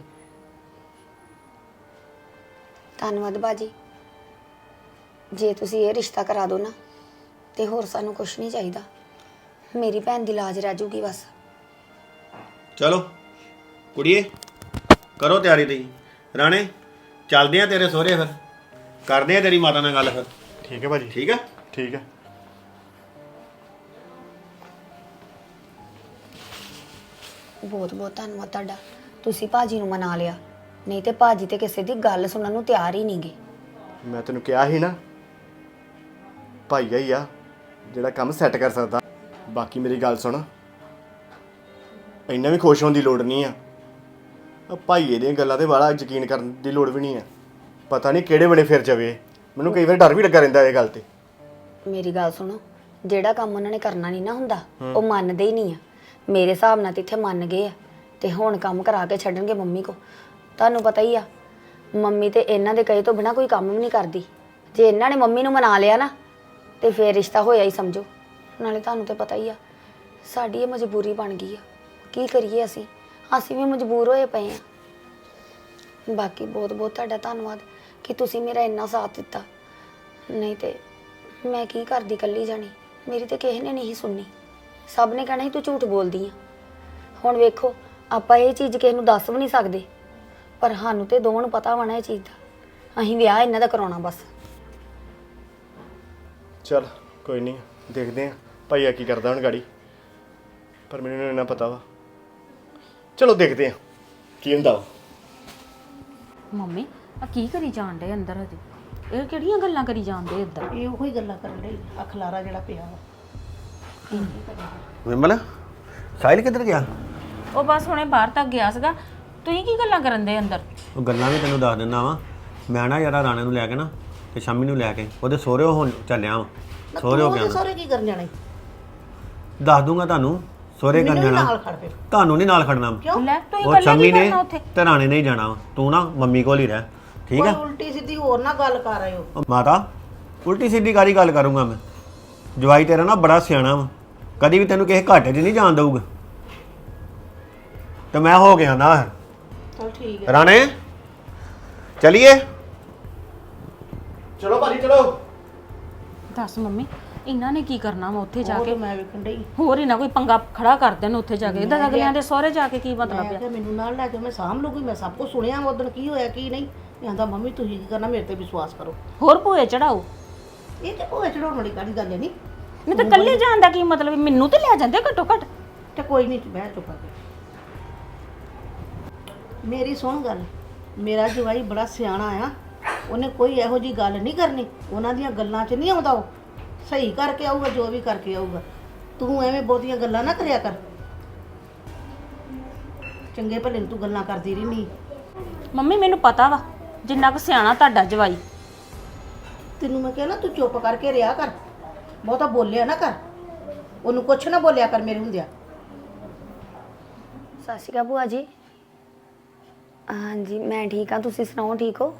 E: ਧੰਨਵਾਦ ਬਾਜੀ, ਜੇ ਤੁਸੀਂ ਇਹ ਰਿਸ਼ਤਾ ਕਰਾ ਦਿਓ ਨਾ ਤੇ ਹੋਰ ਸਾਨੂੰ ਕੁਝ ਨਹੀਂ ਚਾਹੀਦਾ, ਮੇਰੀ ਭੈਣ ਦੀ ਲਾਜ ਰਹਿ ਜੂਗੀ ਬਸ।
I: ਚਲੋ ਕੁੜੀਏ ਕਰੋ ਤਿਆਰੀ ਤੇ। ਰਾਣੇ ਚੱਲਦੇ ਆ ਤੇਰੇ ਸਹੁਰੇ, ਫਿਰ ਕਰਦੇ ਆ ਤੇਰੀ ਮਾਤਾ ਨਾਲ ਗੱਲ ਫਿਰ।
F: ਠੀਕ ਹੈ ਭਾਜੀ।
I: ਠੀਕ ਹੈ?
F: ਠੀਕ ਹੈ।
E: ਬਹੁਤ ਬਹੁਤ ਧੰਨਵਾਦ ਤੁਹਾਡਾ, ਤੁਸੀਂ ਭਾਜੀ ਨੂੰ ਮਨਾ ਲਿਆ, ਨਹੀਂ ਤੇ ਭਾਜੀ ਤੇ ਕਿਸੇ ਦੀ ਗੱਲ ਸੁਣਨ ਨੂੰ ਤਿਆਰ ਹੀ ਨਹੀਂਗੇ।
F: ਮੈਂ ਤੈਨੂੰ ਕਿਹਾ ਸੀ ਨਾ, ਭਾਈਆ ਹੀ ਆ ਜਿਹੜਾ ਕੰਮ ਸੈੱਟ ਕਰ ਸਕਦਾ। ਬਾਕੀ ਮੇਰੀ ਗੱਲ ਸੁਣ, ਇੰਨਾ ਵੀ ਖੁਸ਼ ਹੋਣ ਦੀ ਲੋੜ ਨਹੀਂ ਆ, ਭਾਈਏ ਦੀਆਂ ਗੱਲਾਂ ਤੇ ਬੜਾ ਯਕੀਨ ਕਰਨ ਦੀ ਲੋੜ ਵੀ ਨਹੀਂ ਆ। ਪਤਾ ਨਹੀਂ ਕਿਹੜੇ ਵੇਲੇ ਫਿਰ ਜਾਵੇ, ਮੈਨੂੰ ਕਈ ਵਾਰ ਡਰ ਵੀ ਲੱਗਾ ਰਹਿੰਦਾ ਇਹ ਗੱਲ ਤੇ।
E: ਮੇਰੀ ਗੱਲ ਸੁਣੋ, ਜਿਹੜਾ ਕੰਮ ਉਹਨਾਂ ਨੇ ਕਰਨਾ ਨਹੀਂ ਨਾ ਹੁੰਦਾ ਉਹ ਮੰਨਦੇ ਹੀ ਨਹੀਂ ਆ। ਮੇਰੇ ਹਿਸਾਬ ਨਾਲ ਤੇ ਇੱਥੇ ਮੰਨ ਗਏ ਆ ਤੇ ਹੁਣ ਕੰਮ ਕਰਾ ਕੇ ਛੱਡਣਗੇ ਮੰਮੀ ਕੋ। ਤੁਹਾਨੂੰ ਪਤਾ ਹੀ ਆ ਮੰਮੀ ਤੇ ਇਹਨਾਂ ਦੇ ਕਹੇ ਤੋਂ ਬਿਨਾ ਕੋਈ ਕੰਮ ਵੀ ਨਹੀਂ ਕਰਦੀ। ਜੇ ਇਹਨਾਂ ਨੇ ਮੰਮੀ ਨੂੰ ਮਨਾ ਲਿਆ ਨਾ ਤੇ ਫੇਰ ਰਿਸ਼ਤਾ ਹੋਇਆ ਹੀ ਸਮਝੋ। ਨਾਲੇ ਤੁਹਾਨੂੰ ਤੇ ਪਤਾ ਹੀ ਆ ਸਾਡੀ ਇਹ ਮਜਬੂਰੀ ਬਣ ਗਈ ਆ, ਕੀ ਕਰੀਏ ਅਸੀਂ ਵੀ ਮਜਬੂਰ ਹੋਏ ਪਏ ਆ। ਬਾਕੀ ਬਹੁਤ ਬਹੁਤ ਤੁਹਾਡਾ ਧੰਨਵਾਦ ਕਿ ਤੁਸੀਂ ਮੇਰਾ ਇੰਨਾ ਸਾਥ ਦਿੱਤਾ, ਨਹੀਂ ਤੇ ਮੈਂ ਕੀ ਕਰਦੀ ਇਕੱਲੀ ਜਾਣੀ, ਮੇਰੀ ਤੇ ਕਿਸੇ ਨੇ ਨਹੀਂ ਸੁਣਨੀ, ਸਭ ਨੇ ਕਹਿਣਾ ਸੀ ਤੂੰ ਝੂਠ ਬੋਲਦੀ ਆ। ਹੁਣ ਵੇਖੋ ਆਪਾਂ ਇਹ ਚੀਜ਼ ਕਿਸੇ ਨੂੰ ਦੱਸ ਵੀ ਨਹੀਂ ਸਕਦੇ, ਪਰ ਸਾਨੂੰ ਤੇ ਦੋਵਾਂ ਨੂੰ ਪਤਾ ਹੋਣਾ ਇਹ ਚੀਜ਼ ਦਾ, ਅਸੀਂ ਵਿਆਹ ਇਹਨਾਂ ਦਾ ਕਰਾਉਣਾ ਬਸ।
F: ਚਲ ਕੋਈ ਨਹੀਂ, ਦੇਖਦੇ ਆ ਭਾਈਆ ਕੀ ਕਰਦਾ ਹੁਣ ਗਾੜੀ, ਪਰ ਮੈਨੂੰ ਇੰਨਾ ਪਤਾ ਵਾ। ਚਲੋ ਦੇਖਦੇ ਆ ਕੀ ਹੁੰਦਾ ਵਾ।
G: ਮੰਮੀ ਆ ਕੀ ਕਰੀ ਜਾਣ ਡੇ ਅੰਦਰ? ਹਜੇ ਇਹ ਕਿਹੜੀਆਂ ਗੱਲਾਂ ਕਰੀ ਜਾਂਦੇ ਇੱਧਰ?
H: ਇਹ ਉਹੀ ਗੱਲਾਂ ਕਰਨ ਲਈ ਅਖਲਾਰਾ ਜਿਹੜਾ ਪਿਆ ਵਾ।
I: ਵਿਮਲ ਸਾਹਿਲ ਕਿੱਧਰ ਗਿਆ?
G: ਉਹ ਬਸ ਹੁਣੇ ਬਾਹਰ ਤੱਕ ਗਿਆ ਸੀਗਾ। ਤੁਸੀਂ ਕੀ ਗੱਲਾਂ ਕਰਨ ਦੇ ਅੰਦਰ?
I: ਉਹ ਗੱਲਾਂ ਵੀ ਤੈਨੂੰ ਦੱਸ ਦਿੰਦਾ ਵਾਂ। ਮੈਂ ਨਾ ਯਾਰਾ ਰਾਣੇ ਨੂੰ ਲੈ ਕੇ ਨਾ ਤੇ ਸ਼ਾਮੀ ਨੂੰ ਲੈ ਕੇ ਉਹਦੇ ਸਹੁਰੇ ਹੁਣ ਚੱਲਿਆ ਵਾਂ। ਸਹੁਰੇ ਹੋ ਗਿਆ
H: ਸਹੁਰੇ ਕੀ ਕਰਨ ਜਾਣਾ ਈ?
I: ਦੱਸ ਦੂੰਗਾ ਤੁਹਾਨੂੰ, ਸਹੁਰੇ ਕਰਨ
H: ਮੈਨੂੰ
I: ਜਾਣਾ।
H: ਨਾਲ ਖੜ ਫਿਰ।
I: ਤੁਹਾਨੂੰ ਨਹੀਂ ਨਾਲ ਖੜਨਾ।
G: ਲੈ ਤੁਸੀਂ
I: ਉਹ
G: ਇਕੱਲੇ
I: ਸ਼ਾਮੀ
G: ਕੀ
I: ਨੇ
G: ਕਰਨਾ ਉੱਥੇ?
I: ਤੇ ਰਾਣੇ ਨੇ ਹੀ ਜਾਣਾ ਵਾ। ਤੂੰ ਨਾ ਮੰਮੀ ਕੋਲ ਹੀ ਰਹਿ, ਠੀਕ
H: ਕੋਈ
I: ਹੈ?
H: ਉਲਟੀ ਸਿੱਧੀ ਹੋਰ ਨਾ ਗੱਲ ਕਰ ਆਇਓ।
I: ਉਹ ਮਾਤਾ ਉਲਟੀ ਸਿੱਧੀ ਕਾਹਦੀ ਗੱਲ ਕਰੂੰਗਾ ਮੈਂ? ਜਵਾਈ ਤੇਰਾ ਨਾ ਬੜਾ ਸਿਆਣਾ ਵਾ, ਕਦੀ ਵੀ ਤੈਨੂੰ ਕਿਸੇ ਘਾਟੇ 'ਚ ਨਹੀਂ ਜਾਣ ਦਊਗਾ। ਤੇ ਮੈਂ ਹੋ ਗਿਆ ਨਾ।
H: ਚਲ ਠੀਕ ਹੈ।
I: ਰਾਣੇ ਚਲੀਏ।
F: ਚਲੋ ਭਾਜੀ ਚਲੋ।
G: ਦੱਸ ਮੰਮੀ ਇਹਨਾਂ ਨੇ ਕੀ ਕਰਨਾ ਵਾ ਉੱਥੇ ਜਾ
H: ਉਹ
G: ਕੇ?
H: ਤਾਂ ਮੈਂ ਵੇਖਣ ਡਈ।
G: ਹੋਰ ਇਹਨਾਂ ਕੋਈ ਪੰਗਾ ਖੜਾ ਕਰ ਦੇਣ ਉੱਥੇ ਜਾ ਕੇ। ਇਹਦਾ ਅਗਲਿਆਂ ਦੇ ਸਹੁਰੇ ਜਾ ਕੇ ਕੀ ਮਤਲਬ
H: ਮੈਂ
G: ਆ?
H: ਕਿਹਾ ਮੈਨੂੰ ਨਾਲ ਲੈ ਕੇ ਮੈਂ ਸਾਂਭ ਲੂਗੀ, ਮੈਂ ਸਭ ਕੁਝ ਸੁਣਿਆ ਉਦੋਂ ਕੀ ਹੋਇਆ ਕੀ ਨਹੀਂ। ਕਹਿੰਦਾ ਮੰਮੀ ਤੁਸੀਂ ਕੀ ਕਰਨਾ, ਮੇਰੇ ਤੇ ਵਿਸ਼ਵਾਸ ਕਰੋ।
G: ਹੋਰ ਭੂਏ ਚੜਾਓ।
H: ਇਹ ਤੇ ਭੋਏ ਚੜਾਉਣ ਵਾਲੀ ਕਾਹਦੀ ਗੱਲ ਹੈ ਨਹੀਂ।
G: ਨਹੀਂ ਤਾਂ ਇਕੱਲੇ ਜਾਣ ਦਾ ਕੀ ਮਤਲਬ? ਮੈਨੂੰ ਤੇ ਲੈ ਜਾਂਦੇ ਘੱਟੋ ਘੱਟ।
H: ਤੇ ਕੋਈ ਨਹੀਂ ਬਹਿ ਚੁੱਪ ਕਰ। ਮੇਰੀ ਸੁਣ ਗੱਲ, ਮੇਰਾ ਜਵਾਈ ਬੜਾ ਸਿਆਣਾ ਆ ਉਹਨੇ ਕੋਈ ਇਹੋ ਜੀ ਗੱਲ ਨਹੀਂ ਕਰਨੀ, ਉਹਨਾਂ ਦੀਆਂ ਗੱਲਾਂ 'ਚ ਨਹੀਂ ਆਉਂਦਾ। ਉਹ ਸਹੀ ਕਰਕੇ ਆਊਗਾ ਜੋ ਵੀ ਕਰਕੇ ਆਊਗਾ। ਤੂੰ ਐਵੇਂ ਬਹੁਤੀਆਂ ਗੱਲਾਂ ਨਾ ਕਰਿਆ ਕਰ, ਚੰਗੇ ਭਲੇ ਨੂੰ ਤੂੰ ਗੱਲਾਂ ਕਰਦੀ ਰਹਿਨੀ।
G: ਮੰਮੀ ਮੈਨੂੰ ਪਤਾ ਵਾ ਜਿੰਨਾ ਕੁ ਸਿਆਣਾ ਤੁਹਾਡਾ ਜਵਾਈ।
H: ਤੈਨੂੰ ਮੈਂ ਕਿਹਾ ਨਾ ਤੂੰ ਚੁੱਪ ਕਰਕੇ ਰਿਹਾ ਕਰ, ਬਹੁਤਾ ਬੋਲਿਆ ਨਾ ਕਰ, ਉਹਨੂੰ ਕੁਛ ਨਾ ਬੋਲਿਆ ਕਰ ਮੇਰੇ ਹੁੰਦਿਆਂ।
E: ਸਤਿ ਸ਼੍ਰੀ ਅਕਾਲ ਭੂਆ ਜੀ। ਹਾਂਜੀ ਮੈਂ ਠੀਕ ਹਾਂ, ਤੁਸੀਂ ਸੁਣਾਓ ਠੀਕ ਹੋ?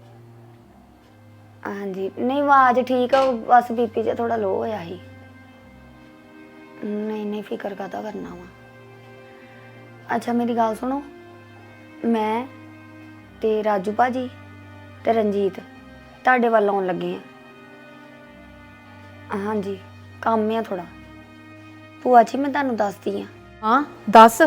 E: ਹਾਂਜੀ ਨਹੀਂ ਆਵਾਜ਼ ਠੀਕ ਆ, ਬਸ ਬੀਪੀ ਜਿਹਾ ਥੋੜਾ ਲੋ ਹੋਇਆ ਸੀ। ਨਹੀਂ ਫਿਕਰ ਕਾਹਦਾ ਕਰਨਾ ਵਾ। ਅੱਛਾ ਮੇਰੀ ਗੱਲ ਸੁਣੋ, ਮੈਂ ਤੇ ਰਾਜੂ ਭਾਜੀ ਤੇ ਰਣਜੀਤ ਤੁਹਾਡੇ ਵੱਲ ਆਉਣ ਲੱਗੇ ਆ। ਹਾਂਜੀ ਕੰਮ ਆ ਥੋੜਾ। ਭੂਆ ਜੀ ਮੈਂ ਤੁਹਾਨੂੰ ਦੱਸਦੀ ਆ।
A: ਹਾਂ ਦੱਸ।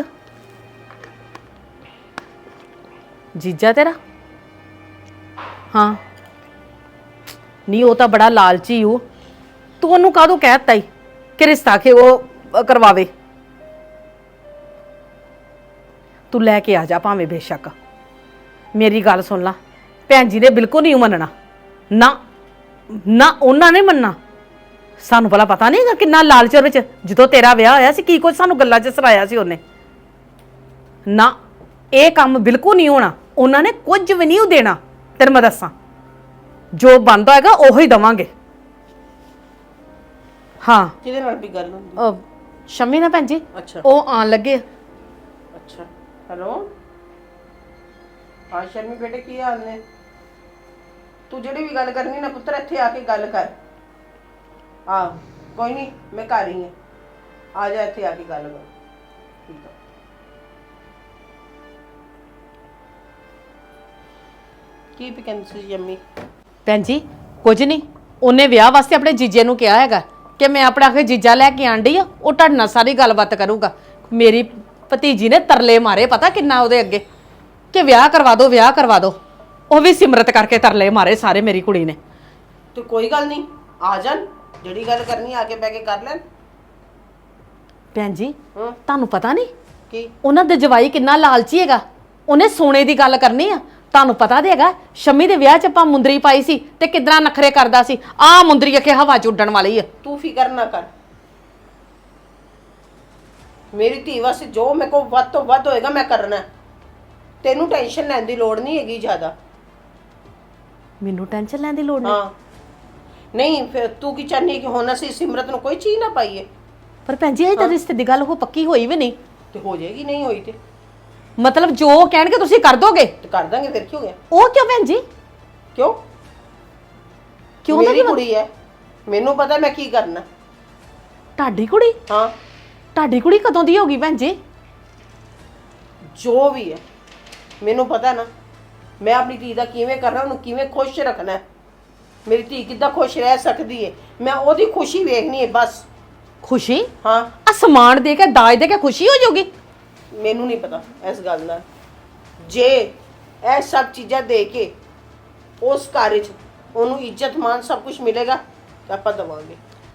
A: ਜੀਜਾ ਤੇਰਾ? ਹਾਂ ਨਹੀਂ, ਉਹ ਤਾਂ ਬੜਾ ਲਾਲਚੀ ਉਹ। ਤੂੰ ਉਹਨੂੰ ਕਾਹਦੋਂ ਕਹਿਤਾ ਈ ਕਿ ਰਿਸ਼ਤਾ ਕਿ ਉਹ ਕਰਵਾਵੇ? ਤੂੰ ਲੈ ਕੇ ਆ ਜਾ ਭਾਵੇਂ ਬੇਸ਼ੱਕ। ਮੇਰੀ ਗੱਲ ਸੁਣ ਲਾ, ਭੈਣ ਜੀ ਨੇ ਬਿਲਕੁਲ ਨਹੀਂ ਮੰਨਣਾ। ਨਾ ਨਾ ਉਹਨਾਂ ਨੇ ਮੰਨਣਾ। ਸਾਨੂੰ ਭਲਾ ਪਤਾ ਨਹੀਂਗਾ ਕਿੰਨਾ ਲਾਲਚ ਵਿੱਚ ਜਦੋਂ ਤੇਰਾ ਵਿਆਹ ਹੋਇਆ ਸੀ ਕੀ ਕੁਝ ਸਾਨੂੰ ਗੱਲਾਂ 'ਚ ਸਰਾਇਆ ਸੀ ਉਹਨੇ। ਨਾ ਇਹ ਕੰਮ ਬਿਲਕੁਲ ਨਹੀਂ ਹੋਣਾ। ਉਹਨਾਂ ਨੇ ਕੁਝ ਵੀ ਨਹੀਂ ਦੇਣਾ। ਤੈਨੂੰ ਮੈਂ ਦੱਸਾਂ, ਜੋ ਬਣਦਾ ਹੈਗਾ ਉਹੋ ਹੀ ਦਵਾਂਗੇ। ਹਾਂ
D: ਕਿਹਦੇ ਨਾਲ ਵੀ ਗੱਲ ਹੁੰਦੀ?
A: ਸ਼ਮੀ ਨਾ ਭੈਣ ਜੀ,
D: ਅੱਛਾ
A: ਉਹ ਆਣ ਲੱਗੇ।
D: ਅੱਛਾ ਹੈਲੋ ਹਾਂ ਸ਼ਰਮੀ ਬੇਟੇ ਕੀ ਹਾਲ ਨੇ? ਤੂੰ ਜਿਹੜੀ ਵੀ ਗੱਲ ਕਰਨੀ ਨਾ ਪੁੱਤਰ ਇੱਥੇ ਆ ਕੇ ਗੱਲ ਕਰ। ਹਾਂ ਕੋਈ ਨਹੀਂ ਮੈਂ ਘਰ ਹੀ ਹਾਂ, ਆ ਜਾ ਇੱਥੇ ਆ ਕੇ ਗੱਲ ਕਰ। ਠੀਕ ਆ। ਕੀ ਵੀ ਕਹਿੰਦੀ ਸੀ ਜੰਮੀ?
A: ਭੈਣ ਜੀ ਕੁਝ ਨਹੀਂ, ਉਹਨੇ ਵਿਆਹ ਵਾਸਤੇ ਆਪਣੇ ਜੀਜੇ ਨੂੰ ਕਿਹਾ ਹੈਗਾ ਕਿ ਮੈਂ ਆਪਣਾ ਆਖੇ ਜੀਜਾ ਲੈ ਕੇ ਆਂਡੀ ਆ, ਉਹ ਤੁਹਾਡੇ ਨਾਲ ਸਾਰੀ ਗੱਲਬਾਤ ਕਰੂਗਾ। ਮੇਰੀ ਭਤੀਜੀ ਨੇ ਤਰਲੇ ਮਾਰੇ ਪਤਾ ਕਿੰਨਾ ਉਹਦੇ ਅੱਗੇ ਕਿ ਵਿਆਹ ਕਰਵਾ ਦਿਓ ਵਿਆਹ ਕਰਵਾ ਦਿਓ। ਉਹ ਵੀ ਸਿਮਰਤ ਕਰਕੇ ਤਰਲੇ ਮਾਰੇ ਸਾਰੇ ਮੇਰੀ ਕੁੜੀ ਨੇ।
D: ਤੇ ਕੋਈ ਗੱਲ ਨਹੀਂ, ਆ ਜਾਣ, ਜਿਹੜੀ ਗੱਲ ਕਰਨੀ ਆ ਕੇ ਬਹਿ ਕੇ ਕਰ ਲੈਣ।
A: ਭੈਣ ਜੀ ਤੁਹਾਨੂੰ ਪਤਾ ਨਹੀਂ
D: ਕੀ
A: ਉਹਨਾਂ ਦੇ ਜਵਾਈ ਕਿੰਨਾ ਲਾਲਚੀ ਹੈਗਾ। ਉਹਨੇ ਸੋਨੇ ਦੀ ਗੱਲ ਕਰਨੀ ਆ। ਤੁਹਾਨੂੰ ਪਤਾ ਤੇ ਹੈਗਾ ਸ਼ਮੀ ਦੇ ਵਿਆਹ 'ਚ ਆਪਾਂ ਮੁੰਦਰੀ ਪਾਈ ਸੀ ਤੇ ਕਿੱਦਾਂ ਨਖਰੇ ਕਰਦਾ ਸੀ। ਆਹ ਮੁੰਦਰੀ ਅਖੇ ਹਵਾ 'ਚ ਉੱਡਣ ਵਾਲੀ ਆ।
D: ਤੂੰ ਫਿਕਰ ਨਾ ਕਰ, ਮੇਰੀ ਧੀ ਵਾਸਤੇ ਜੋ ਮੇਰੇ ਕੋਲ ਵੱਧ ਤੋਂ ਵੱਧ ਹੋਏਗਾ ਮੈਂ ਕਰਨਾ। ਤੈਨੂੰ ਟੈਨਸ਼ਨ ਲੈਣ ਦੀ ਲੋੜ ਨਹੀਂ ਹੈਗੀ ਜ਼ਿਆਦਾ।
A: ਮੈਨੂੰ ਟੈਨਸ਼ਨ ਲੈਣ ਦੀ ਲੋੜ ਨਹੀਂ।
D: ਹਾਂ ਨਹੀਂ ਫਿਰ ਤੂੰ ਕੀ ਚਾਹਨੀ ਕਿ ਹੁਣ ਅਸੀਂ ਸਿਮਰਤ ਨੂੰ ਕੋਈ ਚੀਜ਼ ਨਾ ਪਾਈਏ?
A: ਪਰ ਭੈਣ ਜੀ ਇਹ ਤਾਂ ਰਿਸ਼ਤੇ ਦੀ ਗੱਲ ਉਹ ਪੱਕੀ ਹੋਈ ਵੀ ਨਹੀਂ।
D: ਤੇ ਹੋ ਜਾਏਗੀ, ਨਹੀਂ ਹੋਈ ਤੇ
A: ਮਤਲਬ ਜੋ ਕਹਿਣਗੇ ਤੁਸੀਂ ਕਰ ਦੋਗੇ?
D: ਤੇ ਕਰ ਦਾਂਗੇ, ਫਿਰ ਕੀ ਹੋ ਗਿਆ?
A: ਉਹ ਕਿਉਂ ਭੈਣ ਜੀ?
D: ਕਿਉਂ
A: ਕਿਉਂ
D: ਮੇਰੀ ਕੁੜੀ ਹੈ, ਮੈਨੂੰ ਪਤਾ ਮੈਂ ਕੀ ਕਰਨਾ।
A: ਤੁਹਾਡੀ ਕੁੜੀ?
D: ਹਾਂ
A: ਤੁਹਾਡੀ ਕੁੜੀ ਕਦੋਂ ਦੀ ਹੋਗੀ ਭੈਣ ਜੀ?
D: ਜੋ ਵੀ ਹੈ ਮੈਨੂੰ ਪਤਾ ਨਾ, ਮੈਂ ਆਪਣੀ ਧੀ ਦਾ ਕਿਵੇਂ ਕਰਨਾ, ਉਹਨੂੰ ਕਿਵੇਂ ਖੁਸ਼ ਰੱਖਣਾ। ਮੇਰੀ ਧੀ ਕਿੱਦਾਂ ਖੁਸ਼ ਰਹਿ ਸਕਦੀ ਹੈ, ਮੈਂ ਉਹਦੀ ਖੁਸ਼ੀ ਵੇਖਣੀ ਹੈ ਬਸ।
A: ਖੁਸ਼ੀ?
D: ਹਾਂ
A: ਆ ਸਮਾਨ ਦੇ ਕੇ ਦਾਜ ਦੇ ਕੇ ਖੁਸ਼ੀ ਹੋ ਜਾਊਗੀ?
D: ਮੈਨੂੰ ਨਹੀਂ ਪਤਾ ਇਸ ਗੱਲ ਦਾ। ਜੇ ਇਹ ਸਭ ਚੀਜ਼ਾਂ ਦੇ ਕੇ ਉਸ ਘਰ 'ਚ ਉਹਨੂੰ ਇੱਜ਼ਤ ਮਾਨ ਸਭ ਕੁਝ ਮਿਲੇਗਾ ਤਾਂ ਆਪਾਂ ਦਵਾਂਗੇ।